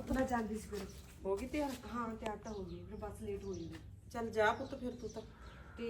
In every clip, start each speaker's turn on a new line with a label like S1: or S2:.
S1: ਪੁੱਤ?
S2: ਮੈਂ ਜਾਂਦੀ ਸੀ ਫਿਰ।
S1: ਹੋ ਗਈ ਤਿਆਰ?
S2: ਹਾਂ ਤਿਆਰ ਤਾਂ ਹੋ ਗਈ, ਫਿਰ ਬੱਸ ਲੇਟ ਹੋ ਜੂਗੀ।
S1: ਚੱਲ ਜਾ ਪੁੱਤ ਫਿਰ ਤੂੰ ਤਾਂ।
S2: ਤੇ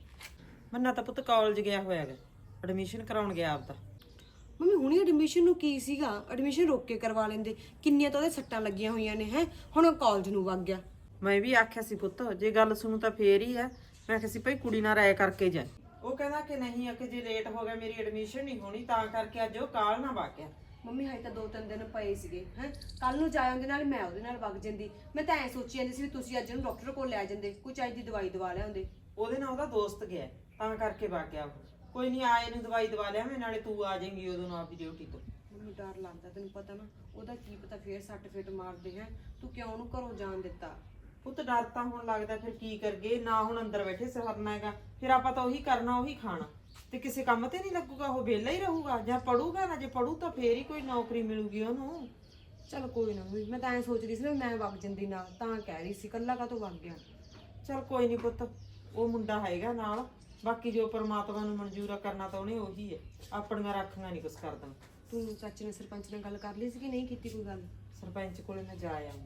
S1: ਮੰਨਾ ਤਾਂ ਪੁੱਤ ਕਾਲਜ ਗਿਆ ਹੋਇਆ ਗਾ, ਐਡਮਿਸ਼ਨ ਕਰਾਉਣ ਗਿਆ ਆਪਦਾ।
S2: ਮੰਮੀ ਹੁਣੀ ਐਡਮਿਸ਼ਨ ਨੂੰ ਕੀ ਸੀਗਾ, ਐਡਮਿਸ਼ਨ ਰੋਕ ਕੇ ਕਰਵਾ ਲੈਂਦੇ। ਕਿੰਨੀਆਂ ਤਾਂ ਉਹਦੇ ਸੱਟਾਂ ਲੱਗੀਆਂ ਹੋਈਆਂ ਨੇ ਹੈ, ਹੁਣ ਉਹ ਕਾਲਜ ਨੂੰ ਵਗ ਗਿਆ।
S1: ਮੈਂ ਵੀ ਆਖਿਆ ਸੀ ਪੁੱਤ ਜੇ ਗੱਲ ਸੁਣੂ ਤਾਂ ਫੇਰ ਹੀ ਆ। ਮੈਂ ਆਖਿਆ ਸੀ ਭਾਈ ਕੁੜੀ ਨਾਲ ਰਾਏ ਕਰਕੇ ਜਾ। ਉਹ ਕਹਿੰਦਾ ਕਿ ਨਹੀਂ, ਆ ਕਿ ਜੇ ਲੇਟ ਹੋ ਗਿਆ ਮੇਰੀ ਐਡਮਿਸ਼ਨ ਨਹੀਂ ਹੋਣੀ, ਤਾਂ ਕਰਕੇ ਅੱਜ ਉਹ ਕਾਲ ਨਾ ਵਗ ਗਿਆ।
S2: ਮੰਮੀ ਹਾਈ ਤਾਂ 2-3 ਦਿਨ ਪਏ ਸੀਗੇ ਹੈ, ਕੱਲ ਨੂੰ ਜਾ ਆਉਂਦੇ ਨਾਲ ਮੈਂ ਉਹਦੇ ਨਾਲ ਵਗ ਜਾਂਦੀ। ਮੈਂ ਤਾਂ ਐ ਸੋਚੀ ਜਾਂਦੀ ਸੀ ਵੀ ਤੁਸੀਂ ਅੱਜ ਨੂੰ ਡਾਕਟਰ ਕੋਲ ਲੈ ਜਾਂਦੇ, ਕੋਈ ਚਾਹੀ ਦੀ ਦਵਾਈ ਦਵਾ ਲਿਆਉਂਦੇ।
S1: ਉਹਦੇ ਨਾਲ ਉਹਦਾ ਦੋਸਤ ਗਿਆ ਤਾਂ ਕਰਕੇ ਵਗ ਗਿਆ ਉਹ। ਕੋਈ ਨਹੀਂ, ਆਏ ਨੂੰ ਦਵਾਈ ਦਵਾ ਲਿਆ ਮੈਂ, ਨਾਲੇ ਤੂੰ ਆ ਜਾਏਂਗੀ ਉਦੋਂ ਨੂੰ ਆਪਦੀ ਡਿਊਟੀ ਤੋਂ।
S2: ਮੈਨੂੰ ਡਰ ਲੱਗਦਾ, ਤੈਨੂੰ ਪਤਾ ਨਾ ਉਹਦਾ ਕੀ ਪਤਾ ਫੇਰ ਸੱਟ ਫੇਟ ਮਾਰਦੇ ਹੈ। ਤੂੰ ਕਿਉਂ ਉਹਨੂੰ ਘਰੋਂ ਜਾਣ ਦਿੱਤਾ?
S1: ਪੁੱਤ ਡਰ ਤਾਂ ਹੁਣ ਲੱਗਦਾ, ਫਿਰ ਕੀ ਕਰਗੇ ਨਾ। ਹੁਣ ਅੰਦਰ ਬੈਠੇ ਸਰਨਾ ਹੈਗਾ, ਫਿਰ ਆਪਾਂ ਤਾਂ ਉਹੀ ਕਰਨਾ ਉਹੀ ਖਾਣਾ, ਤੇ ਕਿਸੇ ਕੰਮ ਤੇ ਨਹੀਂ ਲੱਗੂਗਾ। ਉਹ ਵਿਹਲਾ ਹੀ ਰਹੂਗਾ ਜਾਂ ਪੜੂਗਾ ਨਾ। ਜੇ ਪੜੂ ਤਾਂ ਫੇਰ ਹੀ ਕੋਈ ਨੌਕਰੀ ਮਿਲੂਗੀ ਉਹਨੂੰ।
S2: ਚਲ ਕੋਈ ਨਾ ਮੰਮੀ, ਮੈਂ ਤਾਂ ਐ ਸੋਚਦੀ ਸੀ ਨਾ ਮੈਂ ਵਗ ਜਾਂਦੀ ਨਾਲ, ਤਾਂ ਕਹਿ ਰਹੀ ਸੀ ਕੱਲਾ ਕਾਹਤੋਂ ਵਗ ਗਿਆ।
S1: ਚਲ ਕੋਈ ਨਹੀਂ ਪੁੱਤ, ਉਹ ਮੁੰਡਾ ਹੈਗਾ ਨਾਲ। ਬਾਕੀ ਜੋ ਪਰਮਾਤਮਾ ਨੂੰ ਮਨਜ਼ੂਰ ਆ ਕਰਨਾ ਤਾਂ ਉਹਨੇ ਉਹੀ ਹੈ। ਆਪਣੀਆਂ ਰੱਖੀਆਂ ਨਹੀਂ ਕੁਛ ਕਰਦਾ।
S2: ਤੂੰ ਚਾਚੇ ਨੇ ਸਰਪੰਚ ਨਾਲ ਗੱਲ ਕਰ ਲਈ ਸੀ ਕਿ ਨਹੀਂ ਕੀਤੀ ਕੋਈ ਗੱਲ?
S1: ਸਰਪੰਚ ਕੋਲੇ ਮੈਂ ਜਾ ਆਉਂਗੀ।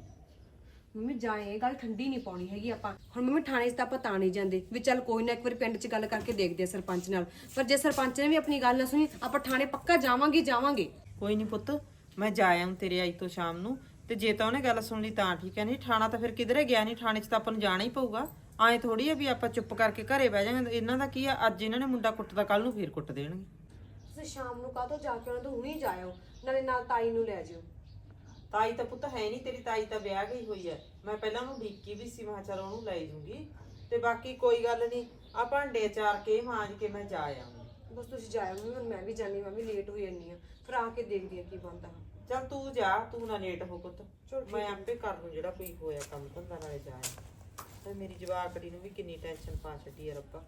S2: ਮੰਮੀ ਜਾਏ, ਗੱਲ ਠੰਡੀ ਨਹੀਂ ਪਾਉਣੀ ਹੈਗੀ ਆਪਾਂ ਹੁਣ। ਮੰਮੀ ਥਾਣੇ 'ਚ ਤਾਂ ਆਪਾਂ ਤਾਂ ਨਹੀਂ ਜਾਂਦੇ ਵੀ ਚੱਲ ਕੋਈ ਨਾ ਇੱਕ ਵਾਰੀ ਪਿੰਡ 'ਚ ਗੱਲ ਕਰਕੇ ਦੇਖਦੇ ਆ ਸਰਪੰਚ ਨਾਲ। ਪਰ ਜੇ ਸਰਪੰਚ ਨੇ ਵੀ ਆਪਣੀ ਗੱਲ ਨਾ ਸੁਣੀ, ਆਪਾਂ ਥਾਣੇ ਪੱਕਾ ਜਾਵਾਂਗੇ ਜਾਵਾਂਗੇ।
S1: ਕੋਈ ਨਹੀਂ ਪੁੱਤ, ਮੈਂ ਜਾ ਆਉਂ ਤੇਰੇ ਆਈ ਤੋਂ ਸ਼ਾਮ ਨੂੰ। ਤੇ ਜੇ ਤਾਂ ਉਹਨੇ ਗੱਲ ਸੁਣ ਲਈ ਤਾਂ ਠੀਕ ਹੈ, ਨਹੀਂ ਠਾਣਾ ਤਾਂ ਫਿਰ ਕਿਧਰੇ ਗਿਆ ਨਹੀਂ। ਥਾਣੇ 'ਚ ਤਾਂ ਆਪਾਂ ਨੂੰ ਜਾਣਾ ਹੀ ਪਊਗਾ। ਐਂ ਥੋੜੀ ਆ ਵੀ ਆਪਾਂ ਚੁੱਪ ਕਰਕੇ ਘਰੇ ਬਹਿ ਜਾਵਾਂਗੇ। ਇਹਨਾਂ ਦਾ ਕੀ ਆ, ਅੱਜ ਇਹਨਾਂ ਨੇ ਮੁੰਡਾ ਕੁੱਟਦਾ, ਕੱਲ ਨੂੰ ਫੇਰ ਕੁੱਟ ਦੇਣਗੇ।
S2: ਤੁਸੀਂ ਸ਼ਾਮ ਨੂੰ ਕਾਹਤੋਂ ਜਾ ਕੇ ਉਹਨਾਂ ਤੋਂ ਹੁਣੀ ਜਾਇਓ, ਨਾਲੇ ਨਾਲ ਤਾਈ ਨੂੰ ਲੈ ਜਿਓ।
S1: ਤਾਈ ਤਾਂ ਪੁੱਤ ਹੈ ਨਹੀਂ ਤੇਰੀ, ਤਾਈ ਤਾਂ ਵਿਆਹ ਗਈ ਹੋਈ ਹੈ। ਮੈਂ ਪਹਿਲਾਂ ਉਹਨੂੰ ਢੀਕੀ ਵੀ ਸੀ, ਮੈਂ ਕਿਹਾ ਚੱਲ ਉਹਨੂੰ ਲੈ ਜੂੰਗੀ। ਤੇ ਬਾਕੀ ਕੋਈ ਗੱਲ ਨਹੀਂ, ਆ ਭਾਂਡੇ ਚਾਰ ਕੇ ਮਾਂਜ ਕੇ ਮੈਂ ਜਾ ਆਉਂਗੀ।
S2: ਬਸ ਤੁਸੀਂ ਜਾਇਓ ਮੰਮੀ, ਹੁਣ ਮੈਂ ਵੀ ਜਾਣੀ, ਮੈਂ ਵੀ ਲੇਟ ਹੋ ਜਾਨੀ ਆ। ਫਿਰ ਆ ਕੇ ਦੇਖਦੀ ਆ ਕੀ ਬਣਦਾ।
S1: ਚੱਲ ਤੂੰ ਜਾ, ਤੂੰ ਨਾ ਲੇਟ ਹੋ ਪੁੱਤ।
S2: ਚਲ
S1: ਮੈਂ ਆਪੇ ਕਰ ਲੂੰ ਜਿਹੜਾ ਕੋਈ ਹੋਇਆ ਕੰਮ ਧੰਦਾ, ਨਾਲੇ ਜਾ ਆਇਆ। ਤੇ ਮੇਰੀ ਜਵਾਕੜੀ ਨੂੰ ਵੀ ਕਿੰਨੀ ਟੈਨਸ਼ਨ ਪਾ ਛੱਡੀ ਆ ਰੱਬਾ।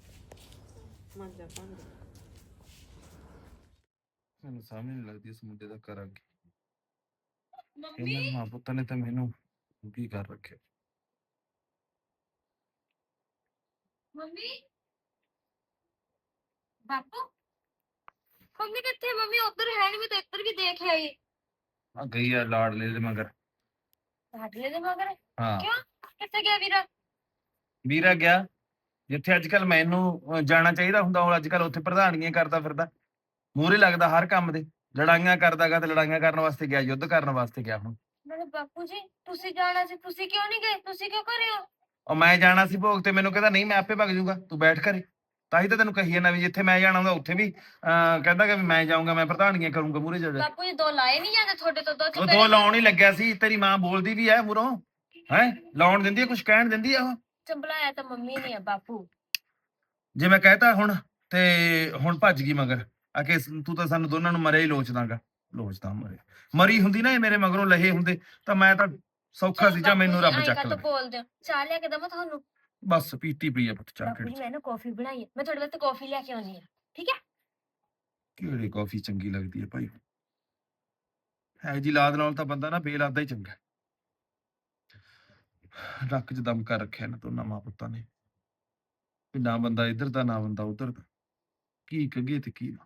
S1: ਮਾਂਜਾ ਭਾਂਡੇ।
S3: ਮੈਨੂੰ ਸਮਝ ਨਹੀਂ ਲੱਗਦੀ ਇਸ ਮੁੰਡੇ ਦਾ ਕਰਾਂ ਕੀ। ਇਹਨਾਂ ਮਾਂ ਪੁੱਤਾਂ ਨੇ ਤਾਂ ਮੈਨੂੰ ਕੀ ਕਰ ਰੱਖਿਆ।
S4: ਮੰਮੀ ਬਾਪੂ, ਮੰਮੀ ਕਿੱਥੇ? ਮੰਮੀ ਉਧਰ ਹੈ ਨਹੀਂ, ਮੈਂ ਤਾਂ ਇੱਧਰ ਵੀ ਦੇਖ ਆਈ।
S3: ਆ ਗਈ ਆ ਲਾਡਲੇ ਦੇ ਮਗਰ।
S4: ਲਾਡਲੇ ਦੇ ਮਗਰ?
S3: ਹਾਂ,
S4: ਕਿਉਂ? ਕਿੱਥੇ ਗਿਆ ਵੀਰਾ?
S3: ਵੀਰਾ ਗਿਆ ਜਿੱਥੇ ਅੱਜ ਕੱਲ ਮੈਨੂੰ ਜਾਣਾ ਚਾਹੀਦਾ ਹੁੰਦਾ, ਉਹ ਅੱਜ ਕੱਲ ਉੱਥੇ ਪ੍ਰਧਾਨੀਆਂ ਕਰਦਾ ਫਿਰਦਾ, ਮੂਹਰੇ ਲੱਗਦਾ ਹਰ ਕੰਮ ਦੇ। ਲੜਾਈਆਂ ਕਰਦਾਗਾ, ਤੇ ਲੜਾਈਆਂ ਕਰਨ ਵਾਸਤੇ ਗਿਆ, ਯੁੱਧ ਕਰਨ ਵਾਸਤੇ ਗਿਆ। ਹੁਣ
S4: ਮੇਰੇ ਬਾਪੂ ਜੀ, ਤੁਸੀਂ ਜਾਣਾ ਸੀ, ਤੁਸੀਂ ਕਿਉਂ ਨਹੀਂ ਗਏ? ਤੁਸੀਂ ਕਿਉਂ ਘਰੇ ਹੋ?
S3: ਉਹ ਮੈਂ ਜਾਣਾ ਸੀ ਭੋਗ ਤੇ, ਮੈਨੂੰ ਕਹਿੰਦਾ ਨਹੀਂ ਮੈਂ ਆਪੇ ਭੱਜ ਜਾਊਗਾ, ਤੂੰ ਬੈਠ ਘਰੇ। ਤਾਂ ਹੀ ਤਾਂ ਤੈਨੂੰ ਕਹੀ ਜਾਂਦਾ ਵੀ ਜਿੱਥੇ ਮੈਂ ਜਾਣਾ ਹੁੰਦਾ ਉੱਥੇ ਵੀ ਕਹਿੰਦਾ ਕਿ ਮੈਂ ਜਾਊਂਗਾ, ਮੈਂ ਪ੍ਰਧਾਨੀਆਂ ਕਰੂੰਗਾ ਮੂਹਰੇ ਜਾ ਜਾ।
S4: ਬਾਪੂ ਜੀ ਦੋ ਲਾਏ ਨਹੀਂ ਜਾਂਦੇ ਤੁਹਾਡੇ ਤੋਂ?
S3: ਉਹ ਦੋ ਲਾਉਣ ਹੀ ਲੱਗਿਆ ਸੀ। ਤੇਰੀ ਮਾਂ ਬੋਲਦੀ ਵੀ ਐ ਮੂਹਰੋਂ, ਹੈ ਲਾਉਣ ਦਿੰਦੀ ਐ, ਕੁਝ ਕਹਿਣ ਦਿੰਦੀ ਆ ਉਹ?
S4: ਚੰਬਲਾਇਆ ਤਾਂ ਮੰਮੀ ਨੇ ਆ ਬਾਪੂ।
S3: ਜੇ ਮੈਂ ਕਹਿਤਾ ਹੁਣ ਤੇ ਹੁਣ ਭੱਜ ਗਈ ਮਗਰ ਆ ਕੇ, ਤੂੰ ਤਾਂ ਸਾਨੂੰ ਦੋਨਾਂ ਨੂੰ ਮਰਿਆ ਹੀ ਲੋਚਦਾਗਾ। ਲੋਚਦਾ ਮਰੀ ਹੁੰਦੀ ਨਾ ਇਹ ਮੇਰੇ ਮਗਰੋਂ ਲਹੇ ਹੁੰਦੇ ਤਾਂ ਮੈਂ ਤਾਂ ਸੌਖਾ ਸੀ, ਜਾਂ ਮੈਨੂੰ ਰੱਬ ਚੱਕ
S4: ਲੈ।
S3: ਲੈ।
S4: ਬੋਲਦੇ ਹੋ, ਚਾਹ ਲਿਆ ਕੇ ਦਵਾਂ ਤੁਹਾਨੂੰ?
S3: ਬਸ ਪੀਤੀ ਪਈ ਆ ਪੁੱਤ ਚਾਹ।
S4: ਬਾਪੂ ਜੀ ਮੈਂ ਨਾ ਕਾਫੀ ਬਣਾਈ ਹੈ, ਮੈਂ ਤੁਹਾਡੇ ਵਾਸਤੇ ਕਾਫੀ ਲੈ ਕੇ ਆਉਣੀ ਆ, ਠੀਕ ਹੈ?
S3: ਕਿਹੜੀ ਕਾਫੀ ਚੰਗੀ ਲੱਗਦੀ ਹੈ ਭਾਈ? ਹੈ ਜੀ ਲਾਦ ਨਾਲ ਤਾਂ ਬੰਦਾ ਨਾ ਬੇਲਾਦਾ ਹੀ ਚੰਗਾ। ਨੱਕ 'ਚ ਦਮ ਕਰ ਰੱਖਿਆ ਨਾ ਦੋਨਾਂ ਮਾਂ ਪੁੱਤਾਂ ਨੇ, ਵੀ ਨਾ ਬੰਦਾ ਇੱਧਰ ਦਾ ਨਾ ਬੰਦਾ ਉੱਧਰ ਦਾ। ਕੀ ਕਹੀਏ ਤੇ ਕੀ ਨਾ।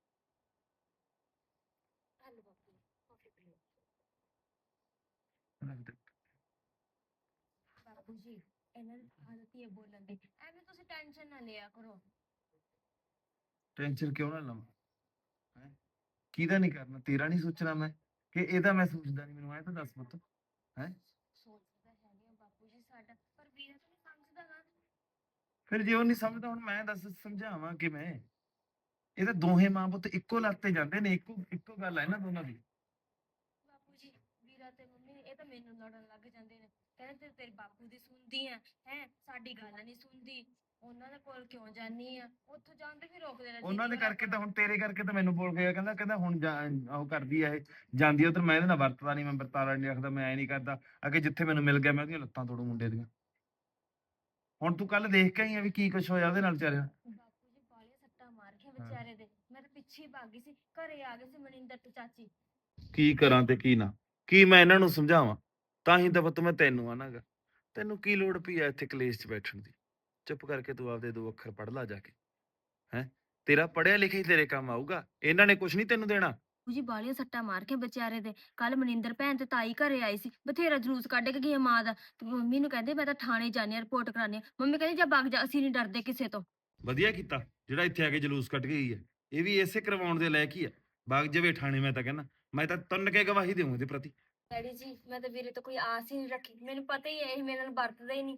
S4: ਬਾਪੂ ਜੀ ਇਹਨਾਂ ਦੀ ਆਦਤ ਹੀ ਹੈ ਬੋਲਣ ਦੀ, ਐਵੇਂ ਤੁਸੀਂ ਟੈਨਸ਼ਨ ਨਾ ਲਿਆ ਕਰੋ।
S3: ਟੈਨਸ਼ਨ ਕਿਉਂ ਨਾ ਲਵਾਂ? ਹੈ ਕਿਹਦਾ ਨਹੀਂ ਕਰਨਾ, ਤੇਰਾ ਨਹੀਂ ਸੋਚਣਾ ਮੈਂ ਕਿ ਇਹਦਾ ਮੈਂ ਸੋਚਦਾ ਨਹੀਂ? ਮੈਨੂੰ ਐ ਤਾਂ ਦੱਸ ਪੁੱਤ। ਹੈ
S4: ਸੋਚਦਾ ਹੈ ਨਹੀਂ ਬਾਪੂ ਜੀ ਸਾਡਾ, ਪਰ ਵੀਰਾ ਤਾਂ ਨਹੀਂ ਸਮਝਦਾ ਨਾ।
S3: ਫਿਰ ਜੇ ਉਹ ਨਹੀਂ ਸਮਝਦਾ, ਹੁਣ ਮੈਂ ਦੱਸ ਸਮਝਾਵਾਂ ਕਿਵੇਂ? ਇਹ ਤਾਂ ਦੋਹੇ ਮਾਂ ਪੁੱਤ ਇੱਕੋ ਲੱਤ ਤੇ ਜਾਂਦੇ ਨੇ, ਇੱਕੋ ਇੱਕੋ ਗੱਲ ਹੈ ਨਾ ਦੋਨਾਂ ਦੀ।
S4: ਬਾਪੂ ਜੀ ਵੀਰਾ ਤੇ ਮੰਮੀ ਇਹ ਤਾਂ ਮੈਨੂੰ ਲੜਨ ਲੱਗ ਜਾਂਦੇ ਨੇ, ਕਹਿੰਦੇ ਤੇਰੇ ਬਾਪੂ ਦੀ ਸੁਣਦੀ ਆ ਹੈ, ਸਾਡੀ ਗੱਲ ਨਹੀਂ ਸੁਣਦੀ, ਉਹਨਾਂ ਦੇ ਕੋਲ ਕਿਉਂ ਜਾਨੀ ਆ? ਉੱਥੋਂ ਜਾਂਦੇ ਫਿਰ ਰੋਕਦੇ ਰਹਿੰਦੇ।
S3: ਉਹਨਾਂ ਦੇ ਕਰਕੇ ਤਾਂ ਹੁਣ ਤੇਰੇ ਕਰਕੇ ਤਾਂ ਮੈਨੂੰ ਬੋਲ ਗਿਆ, ਕਹਿੰਦਾ ਕਹਿੰਦਾ ਹੁਣ ਉਹ ਕਰਦੀ ਆ, ਇਹ ਜਾਂਦੀ ਆ ਉਧਰ, ਮੈਂ ਇਹਦੇ ਨਾਲ ਵਰਤਦਾ ਨਹੀਂ, ਮੈਂ ਵਰਤਾਰਾ ਨਹੀਂ ਰੱਖਦਾ, ਮੈਂ ਐ ਨਹੀਂ ਕਰਦਾ। ਅੱਗੇ ਜਿੱਥੇ ਮੈਨੂੰ ਮਿਲ ਗਿਆ ਮੈਂ ਉਹਦੀਆਂ ਲੱਤਾਂ ਤੋੜੂ ਮੁੰਡੇ ਦੀਆਂ। ਹੁਣ ਤੂੰ ਕੱਲ ਦੇਖ ਕੇ ਆਈ ਆ ਵੀ ਕੀ ਕੁਛ ਹੋਇਆ ਉਹਦੇ ਨਾਲ ਵਿਚਾਰਿਆ।
S4: ਬਾਪੂ ਜੀ ਬਾਲੇ ਸੱਟਾਂ ਮਾਰ ਕੇ ਵਿਚਾਰੇ ਦੇ, ਮੈਂ ਤਾਂ ਪਿੱਛੇ ਹੀ ਭੱਗ ਗਈ ਸੀ, ਘਰੇ ਆ ਗਏ ਸੀ ਮਨਿੰਦਰ ਤੇ ਚਾਚੀ।
S3: ਕੀ ਕਰਾਂ ਤੇ ਕੀ ਨਾ, ਕੀ ਮੈਂ ਇਹਨਾਂ ਨੂੰ ਸਮਝਾਵਾਂ? ਤਾਂ ਹੀ ਤਾਂ ਪੁੱਤ ਮੈਂ ਤੈਨੂੰ ਆਨਾਗਾ, ਤੈਨੂੰ ਕੀ ਲੋੜ ਪਈ ਆ ਇੱਥੇ ਕਲੇਸ਼ 'ਚ ਬੈਠਣ ਦੀ? ਚੁੱਪ ਕਰਕੇ ਤੂੰ ਆਪਦੇ ਦੋ ਅੱਖਰ ਪੜ੍ਹ ਲਾ ਜਾ ਕੇ। ਹੈ ਤੇਰਾ ਪੜ੍ਹਿਆ ਲਿਖਿਆ ਹੀ ਤੇਰੇ ਕੰਮ ਆਊਗਾ, ਇਹਨਾਂ ਨੇ ਕੁਛ ਨਹੀਂ ਤੈਨੂੰ ਦੇਣਾ।
S4: ਜੀ ਬਾਲੀਆਂ ਸੱਟਾਂ ਮਾਰ ਕੇ ਵਿਚਾਰੇ ਦੇ ਕੱਲ ਮਨਿੰਦਰ ਭੈਣ ਤੇ ਤਾਈ ਘਰੇ ਆਈ ਸੀ, ਬਥੇਰਾ ਜਲੂਸ ਕੱਢ ਕੇ ਗਈ ਆ ਮਾਂ ਦਾ, ਤੇ ਮੰਮੀ ਨੂੰ ਕਹਿੰਦੇ ਮੈਂ ਤਾਂ ਥਾਣੇ ਜਾਣੀ ਆ, ਰਿਪੋਰਟ ਕਰਾਣੀ ਆ। ਮੰਮੀ ਕਹਿੰਦੀ ਜਾ ਵਗ ਜਾ, ਅਸੀਂ ਨਹੀਂ ਡਰਦੇ ਕਿਸੇ ਤੋਂ।
S3: ਵਧੀਆ ਕੀਤਾ ਜਿਹੜਾ ਇੱਥੇ ਆ ਕੇ ਜਲੂਸ ਕੱਢ ਕੇ ਗਈ ਹੈ। ਇਹ ਵੀ ਇਸੇ ਕਰਵਾਉਣ ਦੇ ਲਾਇਕ ਹੀ ਆ। ਬਾਗ ਜਾਵੇ ਠਾਣੇ, ਮੈਂ ਤਾਂ ਕਹਿੰਦਾ ਮੈਂ ਤਾਂ ਤੁੰਨ ਕੇ ਗਵਾਹੀ ਦੇਵਾਂ ਇਹਦੇ ਪ੍ਰਤੀ।
S4: ਡੈਡੀ ਜੀ ਮੈਂ ਤਾਂ ਵੀਰੇ ਤੋਂ ਕੋਈ ਆਸ ਹੀ ਨਹੀਂ ਰੱਖੀ, ਮੈਨੂੰ ਪਤਾ ਹੀ ਹੈ ਇਹ ਮੇਰੇ ਨਾਲ ਵਰਤਦਾ ਹੀ ਨਹੀਂ।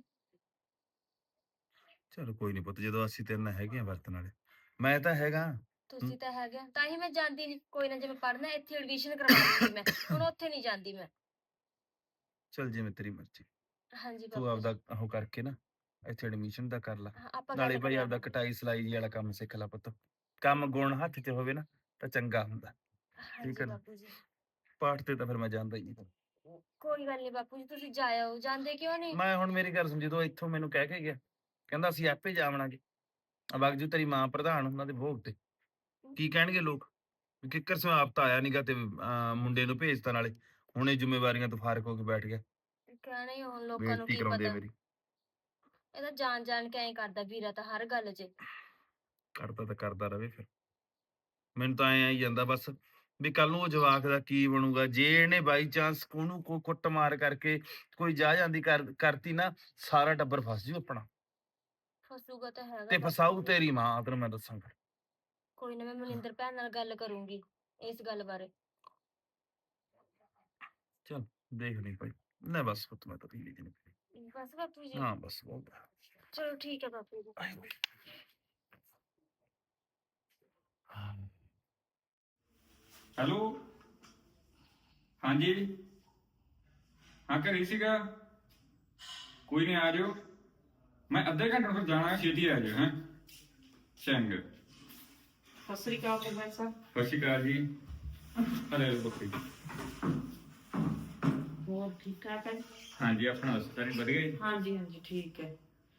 S3: ਚਲ ਕੋਈ ਨਹੀਂ ਪੁੱਤ, ਜਦੋਂ ਅਸੀਂ ਤੇਰੇ ਨਾਲ ਹੈਗੇ ਆ ਵਰਤਣ ਵਾਲੇ, ਮੈਂ ਤਾਂ ਹੈਗਾ।
S4: ਤੁਸੀਂ ਤਾਂ ਹੈਗੇ ਆ, ਤਾਂ ਹੀ ਮੈਂ ਜਾਂਦੀ ਨਹੀਂ। ਕੋਈ ਨਾ, ਜੇ ਮੈਂ ਪੜ੍ਹਨਾ ਇੱਥੇ ਐਡਮਿਸ਼ਨ ਕਰਵਾ ਲੂੰਗੀ ਮੈਂ, ਹੁਣ ਉੱਥੇ ਨਹੀਂ ਜਾਂਦੀ ਮੈਂ।
S3: ਚਲ ਜਿਵੇਂ ਤੇਰੀ ਮਰਜ਼ੀ,
S4: ਹਾਂਜੀ
S3: ਤੂੰ
S4: ਬਾਪੂ ਜੀ।
S3: ਆਪਦਾ ਉਹ ਕਰਕੇ ਨਾ ਇੱਥੇ ਐਡਮਿਸ਼ਨ ਦਾ ਕਰ ਲਾ।
S4: ਹਾਂ, ਆਪਾਂ
S3: ਨਾਲੇ
S4: ਗੱਲ
S3: ਭਾਈ
S4: ਕਰ
S3: ਆਪਦਾ
S4: ਲਾਂਗੇ।
S3: ਕਟਾਈ ਸਲਾਈ ਜੀ ਵਾਲਾ ਕੰਮ ਸਿੱਖ ਲੈ ਪੁੱਤ। ਕੰਮ ਗੁਣ ਹੱਥ 'ਚ ਹੋਵੇ ਨਾ ਤਾਂ ਚੰਗਾ ਹੁੰਦਾ।
S4: ਹਾਂਜੀ
S3: ਹੈ ਨਾ?
S4: ਬਾਪੂ ਜੀ।
S3: ਪਾਠ ਤੇ ਤਾਂ ਫਿਰ ਮੈਂ ਜਾਂਦਾ ਹੀ ਨਹੀਂ।
S4: ਕੋਈ ਗੱਲ ਨਹੀਂ ਬਾਪੂ ਜੀ, ਤੁਸੀਂ ਜਾਇਓ। ਜਾਂਦੇ ਕਿਉਂ ਨਹੀਂ?
S3: ਮੈਂ ਹੁਣ ਮੇਰੀ ਗੱਲ ਸੁਣ, ਜਦੋਂ ਇੱਥੋਂ ਮੈਨੂੰ ਕਹਿ ਕੇ ਗਿਆ, ਕਹਿੰਦਾ ਅਸੀਂ ਆਪੇ ਜਾਵਣਾਗੇ ਵਗ ਜੂ ਤੇਰੀ ਮਾਂ ਪ੍ਰਧਾਨ ਉਹਨਾਂ ਦੇ ਭੋਗ ਤੇ, ਕੀ ਕਹਿਣਗੇ ਲੋਕ? ਵੀ ਕਿੱਕਰ ਸਿਓ ਆਪ ਤਾਂ ਆਇਆ ਨੀਗਾ ਤੇ ਮੁੰਡੇ ਨੂੰ ਭੇਜਤਾ, ਨਾਲੇ ਹੁਣ ਇਹ ਜ਼ਿੰਮੇਵਾਰੀਆਂ ਤੋਂ ਫਾਰਕ ਹੋ ਕੇ ਬੈਠ ਗਿਆ।
S4: ਕਹਿਣਾ ਹੀ ਹੁਣ ਲੋਕਾਂ ਨੂੰ
S3: ਬੇਇੱਜ਼ਤੀ
S4: ਕੀ
S3: ਕਰਾਉਂਦੇ ਆ
S4: ਪਤਾ।
S3: ਮੇਰੀ।
S4: ਇਹ ਤਾਂ ਜਾਣ ਜਾਣ ਕੇ ਐਂ ਕਰਦਾ ਵੀਰਾ ਤਾਂ ਹਰ ਗੱਲ 'ਚ।
S3: ਕਰਦਾ ਤਾਂ ਕਰਦਾ ਰਵੇ ਫਿਰ। ਮੈਨੂੰ ਤਾਂ ਐਂ ਆਈ ਜਾਂਦਾ ਬਸ ਵੀ ਕੱਲ ਨੂੰ ਉਹ ਜਵਾਕ ਦਾ ਕੀ ਬਣੂਗਾ ਜੇ ਇਹਨੇ ਬਾਈ ਚਾਂਸ ਉਹਨੂੰ ਕੋ ਕੁੱਟ ਮਾਰ ਕਰਕੇ ਕੋਈ ਜਾ ਜਾਂਦੀ ਕਰਤੀ ਨਾ, ਸਾਰਾ ਟੱਬਰ ਫਸ ਜੂ ਆਪਣਾ,
S4: ਫਸੂਗਾ ਤਾਂ ਹੈਗਾ
S3: ਤੇ
S4: ਬਾਪੂ
S3: ਫਸਾਊ
S4: ਜੀ।
S3: ਤੇਰੀ ਮਾਂ, ਤੈਨੂੰ ਮੈਂ ਦੱਸਾਂਗਾ।
S4: ਕੋਈ ਨਾ, ਮੈਂ ਮਨਿੰਦਰ ਭੈਣ ਨਾਲ ਗੱਲ ਕਰੂੰਗੀ ਇਸ ਗੱਲ ਬਾਰੇ।
S3: ਚਲ ਦੇਖ ਲਈ ਭਾਈ। ਨਾ ਬਸ ਪੁੱਤ, ਮੈਂ ਤਾਂ ਪੀ ਲਈ ਤੈਨੂੰ।
S4: ਬਸ ਬਾਪੂ ਜੀ।
S3: ਹਾਂ ਬਸ ਬਹੁਤ ਹੈ।
S4: ਚਲੋ ਠੀਕ ਹੈ ਬਾਪੂ ਜੀ।
S5: ਹੈਲੋ, ਹਾਂਜੀ, ਹਾਂ ਘਰੇ ਹੀ ਸੀਗਾ। ਕੋਈ ਨਹੀਂ, ਆ ਜਾਓ। ਮੈਂ ਅੱਧੇ ਘੰਟੇ ਤੱਕ ਜਾਣਾ ਹੈ, ਛੇਤੀ ਆ ਜਾਓ। ਹੈਂ, ਚੰਗਾ।
S1: ਸਤਿ ਸ੍ਰੀ ਅਕਾਲ ਸਰਪੰਚ ਸਾਹਿਬ।
S5: ਸਤਿ ਸ਼੍ਰੀ ਅਕਾਲ ਜੀ। ਹਲੇ ਬੱਕਰੀ।
S1: ਹੋਰ ਠੀਕ ਠਾਕ ਹੈ?
S5: ਹਾਂਜੀ, ਆਪਣਾ ਹਸਪਤਾਲ ਵਧੀਆ ਜੀ।
S1: ਹਾਂਜੀ ਹਾਂਜੀ ਠੀਕ ਹੈ।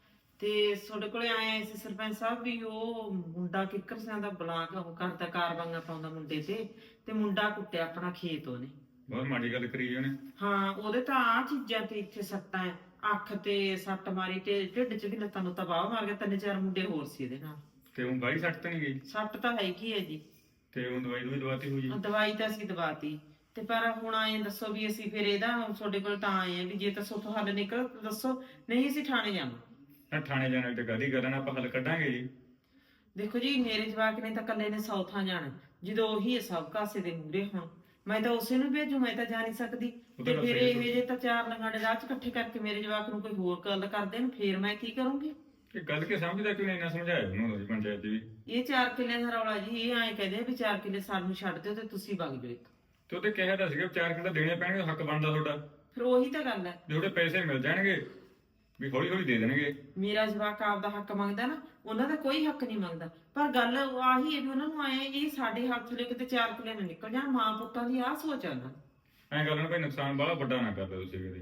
S1: ਤੇ ਤੁਹਾਡੇ ਕੋਲੇ ਆਏ ਸੀ ਸਰਪੰਚ ਸਾਹਿਬ ਵੀ ਉਹ ਮੁੰਡਾ ਕਿੱਕਰ ਸਿਆਂ ਦਾ ਬਲਾਕ ਉਹ ਕਰਦਾ, ਕਾਰਵਾਈਆਂ ਪਾਉਂਦਾ ਮੁੰਡੇ ਤੇ ਮੁੰਡਾ ਕੁੱਟਿਆ ਆਪਣਾ ਖੇਤ ਉਹਨੇ।
S5: ਬਹੁਤ ਮਾੜੀ ਗੱਲ ਕਰੀ ਉਹਨੇ।
S1: ਹਾਂ, ਉਹਦੇ ਤਾਂ ਆ ਚੀਜ਼ਾਂ ਤੇ ਇੱਥੇ ਸੱਟਾਂ ਹੈ, ਅੱਖ ਤੇ ਸੱਟ ਮਾਰੀ ਤੇ ਢਿੱਡ 'ਚ ਵੀ ਲੱਤਾਂ ਨੂੰ ਤਬਾਹ ਮਾਰ ਗਿਆ। 3-4 ਮੁੰਡੇ ਹੋਰ ਸੀ ਇਹਦੇ ਨਾਲ।
S5: ਤੇ ਉਹ ਬਾਈ ਸੱਟ ਤਾਂ ਨਹੀਂ ਗਈ?
S1: ਸੱਟ ਤਾਂ ਹੈਗੀ ਹੈ ਜੀ।
S5: ਤੇ ਉਹ ਦਵਾਈ ਦਵਾਤੀ ਹੋ ਜੀ?
S1: ਦਵਾਈ ਤਾਂ ਅਸੀਂ ਦਵਾਤੀ, ਤੇ ਪਰ ਹੁਣ ਆਏ ਦੱਸੋ ਵੀ ਅਸੀਂ ਫਿਰ ਇਹਦਾ ਤੁਹਾਡੇ ਕੋਲ ਤਾਂ ਆਏ ਆ ਵੀ ਜੇ ਤਾਂ ਸੋਥੋਂ ਹੱਲ ਨਿਕਲ ਤਾਂ ਦੱਸੋ, ਨਹੀਂ ਅਸੀਂ ਥਾਣੇ ਜਾਵਾਂ।
S5: ਨਾ ਥਾਣੇ ਜਾਣ ਤੇ ਕਾਹਦੀ ਗੱਲ ਨਾ, ਆਪਾਂ ਹੱਲ ਕੱਢਾਂਗੇ ਜੀ।
S1: ਦੇਖੋ ਜੀ, ਮੇਰੇ ਜਵਾਕ ਨੇ ਤਾਂ ਇਕੱਲੇ ਨੇ ਸੌਥਾਂ ਜਾਣਾ, ਜਦੋਂ ਉਹੀ ਹੈ ਸਭ ਕਾਸੇ ਦੇ ਮੂਹਰੇ। ਹੁਣ ਮੈਂ ਤਾਂ ਉਸੇ ਨੂੰ ਭੇਜੂ, ਮੈਂ ਤਾਂ ਜਾ ਨਹੀਂ ਸਕਦੀ।
S5: ਉਹ ਤਾਂ
S1: ਤੇ
S5: ਗੱਲ
S1: ਫਿਰ
S5: ਸਹੀ
S1: ਇਹ
S5: ਹੈ।
S1: ਜੇ ਤਾਂ 4 ਲੰਗਾੜੇ ਰਾਹ 'ਚ ਇਕੱਠੇ ਕਰਕੇ ਮੇਰੇ ਜਵਾਕ ਨੂੰ ਕੋਈ ਹੋਰ ਗੱਲ ਕਰ ਦੇਣ, ਫਿਰ ਮੈਂ ਕੀ ਕਰੂੰਗੀ?
S5: ਇਹ ਗੱਲ ਕੇ ਸਮਝਦਾ ਕਿਉਂ ਨਹੀਂ? ਇੰਨਾ ਸਮਝਾਇਆ ਉਹਨੂੰ ਪੰਚਾਇਤ ਵੀ।
S1: ਇਹ 4 ਕਿੱਲਿਆਂ ਦਾ ਰੌਲਾ ਜੀ। ਇਹ ਐਂ ਕਹਦੇ ਵੀ 4 ਕਿੱਲੇ ਸਾਨੂੰ ਛੱਡ ਦਿਓ ਤੇ ਤੁਸੀਂ ਵਗ ਜਾਓ ਇੱਥੋਂ।
S5: ਤੇ ਉਹਦੇ ਕਿਹਾ ਤਾਂ ਸੀਗਾ 4 ਕਿੱਲੇ ਦੇਣੇ ਪੈਣਗੇ, ਹੱਕ ਬਣਦਾ ਤੁਹਾਡਾ।
S1: ਫਿਰ ਉਹੀ ਤਾਂ ਗੱਲ ਹੈ,
S5: ਜੇ ਉਹਦੇ ਪੈਸੇ ਮਿਲ ਜਾਣਗੇ ਵੀ ਹੌਲੀ ਹੌਲੀ ਦੇ ਦੇਣਗੇ।
S1: ਮੇਰਾ ਜਵਾਕ ਆਪਦਾ ਹੱਕ ਮੰਗਦਾ ਨਾ, ਉਹਨਾਂ ਦਾ ਕੋਈ ਹੱਕ ਨਹੀਂ ਮੰਗਦਾ। ਪਰ ਗੱਲ ਆਹੀ ਹੈ ਵੀ ਉਹਨਾਂ ਨੂੰ ਆਏ ਇਹ ਸਾਡੇ ਹੱਥ ਲੈ ਕਿਤੇ 4 ਕਿੱਲੇ ਨਾ ਨਿਕਲ ਜਾਣ। ਮਾਂ ਪੁੱਤਾਂ ਦੀ ਆਹ ਸੋਚ ਆ ਉਹਨਾਂ ਦੀ।
S5: ਐਂ ਗੱਲ ਨਾ ਭਾਈ, ਨੁਕਸਾਨ ਬਾਹਲਾ ਵੱਡਾ ਨਾ ਕਰ ਦਿਓ ਤੁਸੀਂ ਕਦੇ।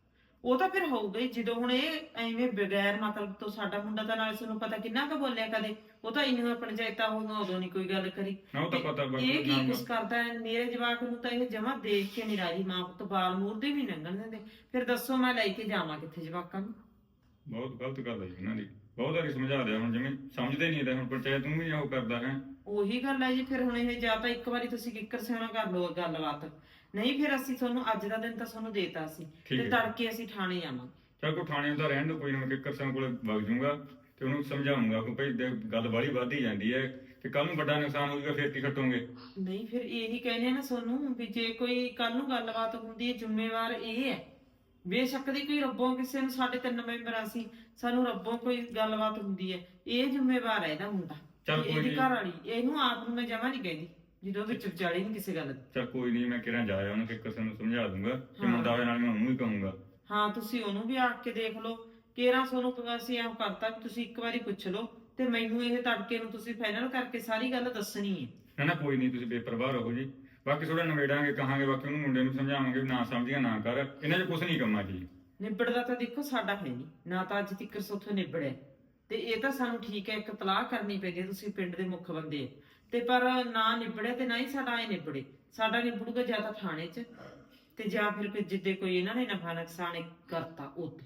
S1: ਉਹ ਤਾਂ ਫਿਰ ਹੋਊਗਾ ਹੀ, ਜਦੋਂ ਹੁਣ ਇਹ ਐਵੇਂ ਬਗੈਰ ਮਤਲਬ ਤੋਂ ਸਾਡਾ ਮੁੰਡਾ ਤਾਂ ਨਾਲ ਤੁਹਾਨੂੰ ਪਤਾ ਕਿੰਨਾ ਕੁ ਬੋਲਿਆ ਕਦੇ। ਉਹ ਤਾਂ ਇੰਨੀਆਂ ਪੰਚਾਇਤਾਂ ਹੋਈਆਂ ਉਦੋਂ ਨਹੀਂ ਕੋਈ ਗੱਲ ਕਰੀ।
S5: ਨਾ ਉਹ ਤਾਂ ਪਤਾ
S1: ਇਹ ਕੀ ਕੁਛ ਕਰਦਾ ਹੈ ਮੇਰੇ ਜਵਾਕ ਨੂੰ? ਤਾਂ ਇਹ ਜਮਾ ਦੇਖ ਕੇ ਨਹੀਂ ਰਾਜੀ। ਮਾਂ ਪੁੱਤ ਬਾਲ ਮੂਰਦੇ ਵੀ ਲੰਘਣ ਦਿੰਦੇ। ਫਿਰ ਦੱਸੋ ਮੈਂ ਲੈ ਕੇ ਜਾਵਾਂ ਕਿੱਥੇ ਜਵਾਕਾਂ ਨੂੰ?
S5: ਬਹੁਤ ਗਲਤ ਗੱਲ ਹੈ ਜੀ ਉਹਨਾਂ ਦੀ। ਬਹੁਤ ਵਾਰੀ ਸਮਝਾ ਦਿਆ, ਹੁਣ ਜਿਵੇਂ ਸਮਝਦੇ ਨਹੀਂ ਤਾਂ ਹੁਣ ਪੰਚਾਇਤ ਨੂੰ ਵੀ ਉਹ ਕਰਦਾ ਹੈ।
S1: ਉਹੀ ਗੱਲ ਹੈ ਜੀ। ਫਿਰ ਹੁਣ ਇਹ ਜਾਂ ਤਾਂ ਇੱਕ ਵਾਰੀ ਤੁਸੀਂ ਕਿੱਕਰ ਸਿਆਣਾ ਕਰ ਲਓ ਗੱਲਬਾਤ, ਨਹੀਂ ਫਿਰ ਅਸੀਂ ਤੁਹਾਨੂੰ ਅੱਜ ਦਾ ਦਿਨ ਤਾਂ ਤੁਹਾਨੂੰ ਦੇਤਾ ਸੀ
S5: ਠੀਕ
S1: ਤੇ
S5: ਹੈ।
S1: ਤੜਕੇ ਅਸੀਂ ਥਾਣੇ ਜਾਵਾਂਗੇ।
S5: ਚਲ ਕੋਈ ਥਾਣੇ ਦਾ ਰਹਿਣ ਦੋ, ਕੋਈ ਨਾ, ਮੈਂ ਕਿੱਕਰ ਸਿੰਘ ਕੋਲੇ ਵਗ ਜਾਊਂਗਾ ਤੇ ਉਹਨੂੰ ਸਮਝਾਉਂਗਾ ਕਿ ਭਾਈ ਗੱਲ ਬਾਹਲੀ ਵੱਧਦੀ ਜਾਂਦੀ ਹੈ ਤੇ ਕੱਲ ਨੂੰ ਵੱਡਾ ਨੁਕਸਾਨ ਹੋ ਜਾਊਗਾ, ਫਿਰ ਕੀ ਖੱਟੋਗੇ?
S1: ਨਹੀਂ ਫਿਰ ਇਹੀ ਕਹਿੰਦੇ ਨਾ ਤੁਹਾਨੂੰ ਵੀ ਜੇ ਕੋਈ ਕੱਲ ਨੂੰ ਗੱਲਬਾਤ ਹੁੰਦੀ ਹੈ ਜ਼ਿੰਮੇਵਾਰ ਇਹ ਹੈ। ਬੇਸ਼ੱਕ ਦੀ ਕੋਈ ਰੱਬੋਂ ਕਿਸੇ ਨੂੰ, ਸਾਡੇ 3 ਮੈਂਬਰ ਅਸੀਂ, ਸਾਨੂੰ ਰੱਬੋਂ ਕੋਈ ਗੱਲਬਾਤ ਹੁੰਦੀ ਹੈ, ਇਹ ਜ਼ਿੰਮੇਵਾਰ ਹੈ ਇਹਦਾ ਮੁੰਡਾ,
S5: ਚੱਲ ਕੋਈ
S1: ਇਹਦੀ
S5: ਨੀ।
S1: ਘਰ ਵਾਲੀ। ਇਹਨੂੰ ਆਪ ਨੂੰ ਮੈਂ ਜਮਾ ਨਹੀਂ ਕਹਿੰਦੀ ਜਦੋਂ ਵਿੱਚ ਵਿਚਾਲੇ ਨਹੀਂ ਕਿਸੇ ਗੱਲ ਦੀ।
S5: ਚਲ ਕੋਈ ਨਹੀਂ, ਮੈਂ ਕਿਹੜਾ ਜਾਇਆ ਉਹਨੂੰ ਕਿੱਕਰ ਸਿੰਘ ਨੂੰ ਸਮਝਾ ਦੂੰਗਾ ਕਿ
S1: ਹਾਂ।
S5: ਮੁੰਡਾ ਹੋਇਆ, ਨਾਲ ਮੈਂ ਉਹਨੂੰ ਵੀ ਕਹੂੰਗਾ।
S1: ਹਾਂ, ਤੁਸੀਂ ਉਹਨੂੰ ਵੀ ਆ ਕੇ ਦੇਖ ਲਓ। ਕੇਰਾਂ ਸੋਨੂੰ ਅਸੀਂ ਐਂ ਕਰਤਾ ਵੀ ਤੁਸੀਂ ਇੱਕ ਵਾਰੀ ਪੁੱਛ ਲਓ ਤੇ ਮੈਨੂੰ ਇਹ ਤੜਕੇ ਨੂੰ ਤੁਸੀਂ ਫਾਈਨਲ ਕਰਕੇ ਸਾਰੀ ਗੱਲ ਦੱਸਣੀ ਹੈ।
S5: ਨਾ ਨਾ ਕੋਈ ਨਹੀਂ, ਤੁਸੀਂ ਬੇਪਰਵਾਹ ਰਹੋ ਜੀ। ਬਾਕੀ ਥੋੜਾ ਨਵੇੜਾਂਗੇ, ਕਹਾਂਗੇ, ਬਾਕੀ ਉਹਨੂੰ ਮੁੰਡੇ ਨੂੰ ਸਮਝਾਵਾਂਗੇ ਵੀ ਨਾ ਸਮਝੀਆਂ ਨਾ ਕਰ, ਇਹਨਾਂ 'ਚ ਕੁਝ ਨਹੀਂ ਕੰਮਾਂ 'ਚ ਜੀ।
S1: ਨਿਬੜਦਾ ਤਾਂ ਦੇਖੋ ਸਾਡਾ ਹੈ ਨਹੀਂ ਨਾ, ਤਾਂ ਅੱਜ ਤੱਕ ਸੋਥੋਂ ਨਿਬੜਿਆ। ਤੇ ਇਹ ਤਾਂ ਸਾਨੂੰ ਠੀਕ ਹੈ ਇੱਕ ਤਲਾਹ ਕਰਨੀ ਪੈਗੀ, ਤੁਸੀਂ ਪਿੰਡ ਦੇ ਮੁੱਖ ਬੰਦੇ ਆ। ਤੇ ਪਰ ਨਾ ਨਿਬੜਿਆ ਤੇ ਨਾ ਹੀ ਸਾਡਾ ਐ ਨਿਬੜੇ। ਸਾਡਾ ਨਿਬੜੂਗਾ ਜਾਂ ਤਾਂ ਥਾਣੇ 'ਚ ਤੇ ਜਾਂ ਫਿਰ ਜਿੱਦੇ ਕੋਈ ਇਹਨਾਂ ਨੇ ਨਫਾ ਨੁਕਸਾਨ ਕਰਤਾ ਉੱਥੇ।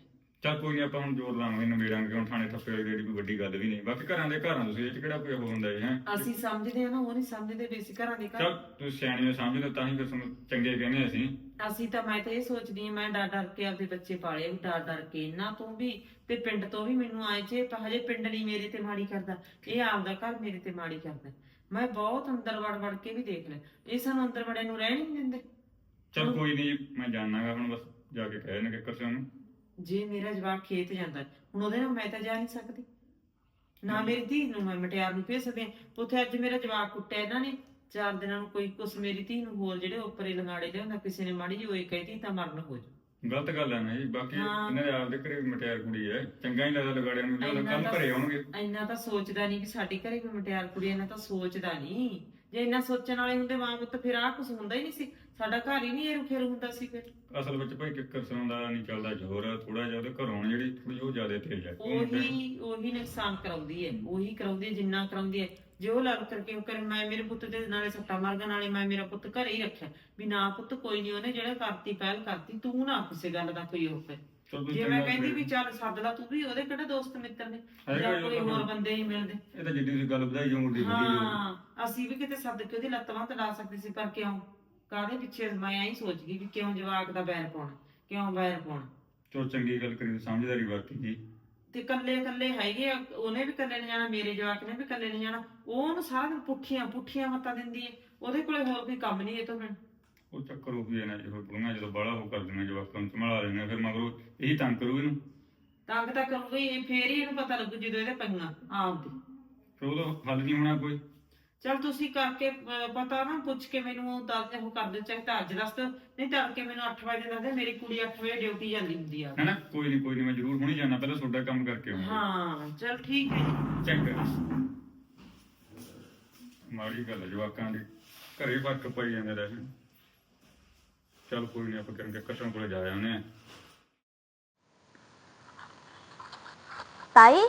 S5: ਚੱਲ ਕੋਈ ਨਹੀਂ, ਆਪਾਂ ਹੁਣ ਜ਼ੋਰ ਲਾਵਾਂਗੇ, ਨਿਬੇੜਾਂਗੇ ਹੁਣ। ਥਾਣੇ ਥੱਪੇ ਵਾਲੀ ਜਿਹੜੀ ਕੋਈ ਵੱਡੀ ਗੱਲ ਵੀ ਨਹੀਂ। ਬਾਕੀ ਘਰਾਂ ਦੇ ਘਰਾਂ, ਤੁਸੀਂ ਇਹ ਚ ਕਿਹੜਾ ਕੋਈ ਉਹ ਹੁੰਦਾ ਹੈ?
S1: ਅਸੀਂ ਸਮਝਦੇ ਆ ਨਾ, ਉਹ ਨਹੀਂ ਸਮਝਦੇ ਵੀ ਅਸੀਂ ਘਰਾਂ ਦੇ ਘਰ।
S5: ਚੱਲ ਤੁਸੀਂ ਸਿਆਣੀ ਹੋ, ਸਮਝਦੇ ਹੋ, ਤਾਂ ਹੀ ਫਿਰ ਤੁਹਾਨੂੰ ਚੰਗੇ ਕਹਿੰਦੇ ਅਸੀਂ।
S1: ਮੈਂ ਤਾਂ ਇਹ ਸੋਚਦੀ ਆ, ਮੈਂ ਡਰ ਡਰ ਕੇ ਆਪਦੇ ਬੱਚੇ ਪਾਲੇ, ਵੀ ਡਰ ਡਰ ਕੇ ਇਹਨਾਂ ਤੋਂ ਵੀ ਤੇ ਪਿੰਡ ਤੋਂ ਵੀ। ਮੈਨੂੰ ਆਏ ਜੇ ਤਾਂ ਹਜੇ ਪਿੰਡ ਨਹੀਂ ਮੇਰੇ ਤੇ ਮਾੜੀ ਕਰਦਾ, ਇਹ ਆਪਦਾ ਘਰ ਮੇਰੇ ਤੇ ਮਾੜੀ ਕਰਦਾ। ਮੈਂ ਬਹੁਤ ਅੰਦਰ ਵੜ ਵੜ ਕੇ ਵੀ ਦੇਖ ਲਿਆ, ਇਹ ਸਾਨੂੰ ਅੰਦਰ ਵੜਿਆ ਨੂੰ ਰਹਿਣ ਹੀ ਨਹੀਂ ਦਿੰਦੇ।
S5: ਚੱਲ ਕੋਈ ਨਹੀਂ, ਮੈਂ ਜਾਣਾਗਾ ਹੁਣ, ਬਸ ਜਾ ਕੇ ਕਹਿ ਦੇਣਗੇ ਕਿਸੇ ਨੂੰ।
S1: ਜੇ ਮੇਰਾ ਜਵਾਕ ਖੇਤ ਜਾਂਦਾ ਹੁਣ, ਉਹਦੇ ਨਾਲ ਮੈਂ ਤਾਂ ਜਾ ਨਹੀਂ ਸਕਦੀ ਨਾ। ਮੇਰੀ ਧੀ ਨੂੰ ਮੈਂ ਮਟਿਆਰ ਨੂੰ ਭੇਜ ਸਕਦੀ ਹਾਂ ਉੱਥੇ। ਅੱਜ ਮੇਰਾ ਜਵਾਕ ਕੁੱਟਿਆ ਇਹਨਾਂ ਨੇ, 4 ਦਿਨਾਂ ਨੂੰ ਕੋਈ ਕੁਛ ਮੇਰੀ ਧੀ ਨੂੰ ਹੋਰ ਜਿਹੜੇ ਉੱਪਰੇ ਲੰਗਾੜੇ ਲਿਆਉਂਦਾ, ਕਿਸੇ ਨੇ ਮਾੜੀ ਜਿਹੀ ਹੋਈ ਕਹਿਤੀ ਤਾਂ ਮਰਨ ਹੋ ਜਾ।
S5: ਗਲਤ ਗੱਲ ਹੈ ਨਾ ਜੀ। ਬਾਕੀ ਇਹਨਾਂ ਦੇ ਆਪਦੇ ਘਰੇ ਵੀ ਮਟਿਆਰ ਕੁੜੀ ਹੈ, ਚੰਗਾ ਹੀ ਲੱਗਦਾ ਲਗਾੜਿਆਂ ਨੂੰ, ਜਦੋਂ ਕੱਲ ਘਰੇ ਆਉਣਗੇ।
S1: ਇੰਨਾ ਤਾਂ ਸੋਚਦਾ ਨਹੀਂ ਕਿ ਸਾਡੀ ਘਰੇ ਕੋਈ ਮਟਿਆਰ ਕੁੜੀ, ਇਹਨਾਂ ਤਾਂ ਸੋਚਦਾ ਨਹੀਂ। ਜੇ ਇੰਨਾ ਸੋਚਣ ਵਾਲੇ ਹੁੰਦੇ ਮਾਂ ਪੁੱਤ, ਫਿਰ ਆਹ ਕੁਛ ਹੁੰਦਾ ਹੀ ਨਹੀਂ ਸੀ, ਸਾਡਾ ਘਰ ਹੀ ਨਹੀਂ ਇਹ ਰੁਖੇਰ ਹੁੰਦਾ ਸੀ। ਫਿਰ
S5: ਅਸਲ ਵਿੱਚ ਭਾਈ ਕਿੱਕਰ ਸਿਉਂ ਦਾ ਨਹੀਂ ਚੱਲਦਾ ਜ਼ੋਰ, ਥੋੜਾ ਜਿਹਾ ਉਹਦੇ ਘਰੋਂ ਜਿਹੜੀ ਥੋੜੀ ਉਹ ਜ਼ਿਆਦਾ ਤੇਜ਼ ਹੈ।
S1: ਉਹੀ ਨੁਕਸਾਨ ਕਰਾਉਂਦੀ ਹੈ, ਉਹੀ ਕਰਾਉਂਦੀ ਹੈ ਜਿੰਨਾ ਕਰਾਉਂਦੀ ਹੈ। ਜੇ ਉਹ ਲੜ ਕਰਕੇ ਉਹ ਕਰੇ, ਮੈਂ ਮੇਰੇ ਪੁੱਤ ਦੇ ਨਾਲੇ ਸੱਟਾ ਮਾਰਗਾ, ਨਾਲੇ ਮੈਂ ਮੇਰਾ ਪੁੱਤ ਘਰੇ ਹੀ ਰੱਖਿਆ ਵੀ ਨਾ ਪੁੱਤ ਕੋਈ ਨਹੀਂ, ਉਹਨੇ ਜਿਹੜਾ ਕਰਤੀ ਪਹਿਲ ਕਰਤੀ, ਤੂੰ ਨਾ ਕਿਸੇ ਗੱਲ ਦਾ ਕੋਈ ਉਹ ਕਰ। ਜੇ ਮੈਂ ਕਹਿੰਦੀ ਵੀ ਚੱਲ ਸੱਦ ਲਾ ਤੂੰ ਵੀ, ਉਹਦੇ ਕਿਹੜੇ ਦੋਸਤ ਮਿੱਤਰ ਨੇ ਜਾਂ ਕੋਈ ਹੋਰ ਬੰਦੇ ਹੀ ਮਿਲਦੇ।
S5: ਇਹ ਤਾਂ ਜਿੱਡੀ ਤੁਸੀਂ ਗੱਲ ਵਧਾਈ ਜਾਓਗੇ।
S1: ਹਾਂ, ਅਸੀਂ ਵੀ ਕਿਤੇ ਸੱਦ ਕੇ ਉਹਦੀ ਲੱਤ ਬਾਂਹ ਤੇ ਲਾ ਸਕਦੇ ਸੀ, ਪਰ ਕਿਉਂ ਕਾਹਦੇ ਪਿੱਛੇ? ਮੈਂ ਐਂ ਸੋਚ ਗਈ ਵੀ ਕਿਉਂ ਜਵਾਕ ਦਾ ਬੈਰ ਪਾਉਣਾ, ਕਿਉਂ ਬੈਰ ਪਾਉਣਾ।
S5: ਚਲੋ ਚੰਗੀ ਗੱਲ ਕਰੀ, ਸਮਝਦਾਰੀ ਵਰਤੀ ਜੀ।
S1: ਤੇ ਕੱਲੇ ਕੱਲੇ ਹੈਗੇ ਆ, ਉਹਨੇ ਵੀ ਕੱਲੇ ਨਹੀਂ ਜਾਣਾ, ਮੇਰੇ ਜਵਾਕ ਨੇ ਵੀ ਕੱਲੇ ਨਹੀਂ ਜਾਣਾ। ਉਹਨੂੰ ਸਾਰਾ ਦਿਨ ਪੁੱਠੀਆਂ ਮੱਤਾਂ ਦਿੰਦੀ ਹੈ, ਉਹਦੇ ਕੋਲੇ ਹੋਰ ਕੋਈ ਕੰਮ ਨਹੀਂ ਇਹ ਤੋਂ ਬਿਨ।
S5: ਉਹ ਚੱਕਰ ਉਹ ਵੀ ਹੈ ਨਾ, ਜਦੋਂ ਬਾਹਲਾ ਉਹ ਕਰ ਦਿੰਦੇ ਜਵਾਕਾਂ ਨੂੰ, ਸੰਭਾਲਾ ਲੈਣਾ, ਫਿਰ ਮਗਰੋਂ ਇਹੀ ਤੰਗ ਕਰੂ ਇਹਨੂੰ।
S1: ਤੰਗ ਤਾਂ ਕਰੂਗਾ ਹੀ, ਫੇਰ ਹੀ ਇਹਨੂੰ ਪਤਾ ਲੱਗੂ ਜਦੋਂ ਇਹਦੇ ਪਈਆਂ ਆਪਦੀ।
S5: ਫਿਰ ਉਹਦਾ ਹੱਲ ਨਹੀਂ ਹੋਣਾ ਕੋਈ।
S1: ਚਲ ਤੁਸੀਂ ਕਰਕੇ ਪਤਾ ਨਾ ਪੁੱਛ ਕੇ ਮੈਨੂੰ ਦੱਸ ਉਹ ਕਰ ਦਿਓ, ਚਾਹੇ ਤਾਂ ਅੱਜ ਦੱਸ ਦਿਓ, ਨਹੀਂ ਤਾਂ ਕੇ ਮੈਨੂੰ 8 ਵਜੇ ਦੱਸ ਦਿਓ। ਮੇਰੀ ਕੁੜੀ 8 ਵਜੇ ਡਿਊਟੀ ਜਾਂਦੀ ਹੁੰਦੀ ਆ।
S5: ਹੈਨਾ, ਕੋਈ ਨਹੀਂ, ਮੈਂ ਜ਼ਰੂਰ ਹੁਣੀ ਜਾਣਾ, ਪਹਿਲਾਂ ਤੁਹਾਡਾ ਕੰਮ ਕਰਕੇ ਆਉਂਗਾ।
S1: ਹਾਂ ਚਲ ਠੀਕ ਹੈ ਜੀ।
S5: ਚੰਗਾ। ਮਾੜੀ ਗੱਲ ਹੈ ਜਵਾਕਾਂ ਦੀ, ਘਰੇ ਫਰਕ ਪਈ ਜਾਂਦੇ ਰਹੇ। ਚੱਲ ਕੋਈ ਨਹੀਂ, ਆਪਾਂ ਕਿਰਨ ਕਸਮ ਕੋਲੇ ਜਾ ਆਉਂਦੇ ਆ।
S4: ਤਾਈ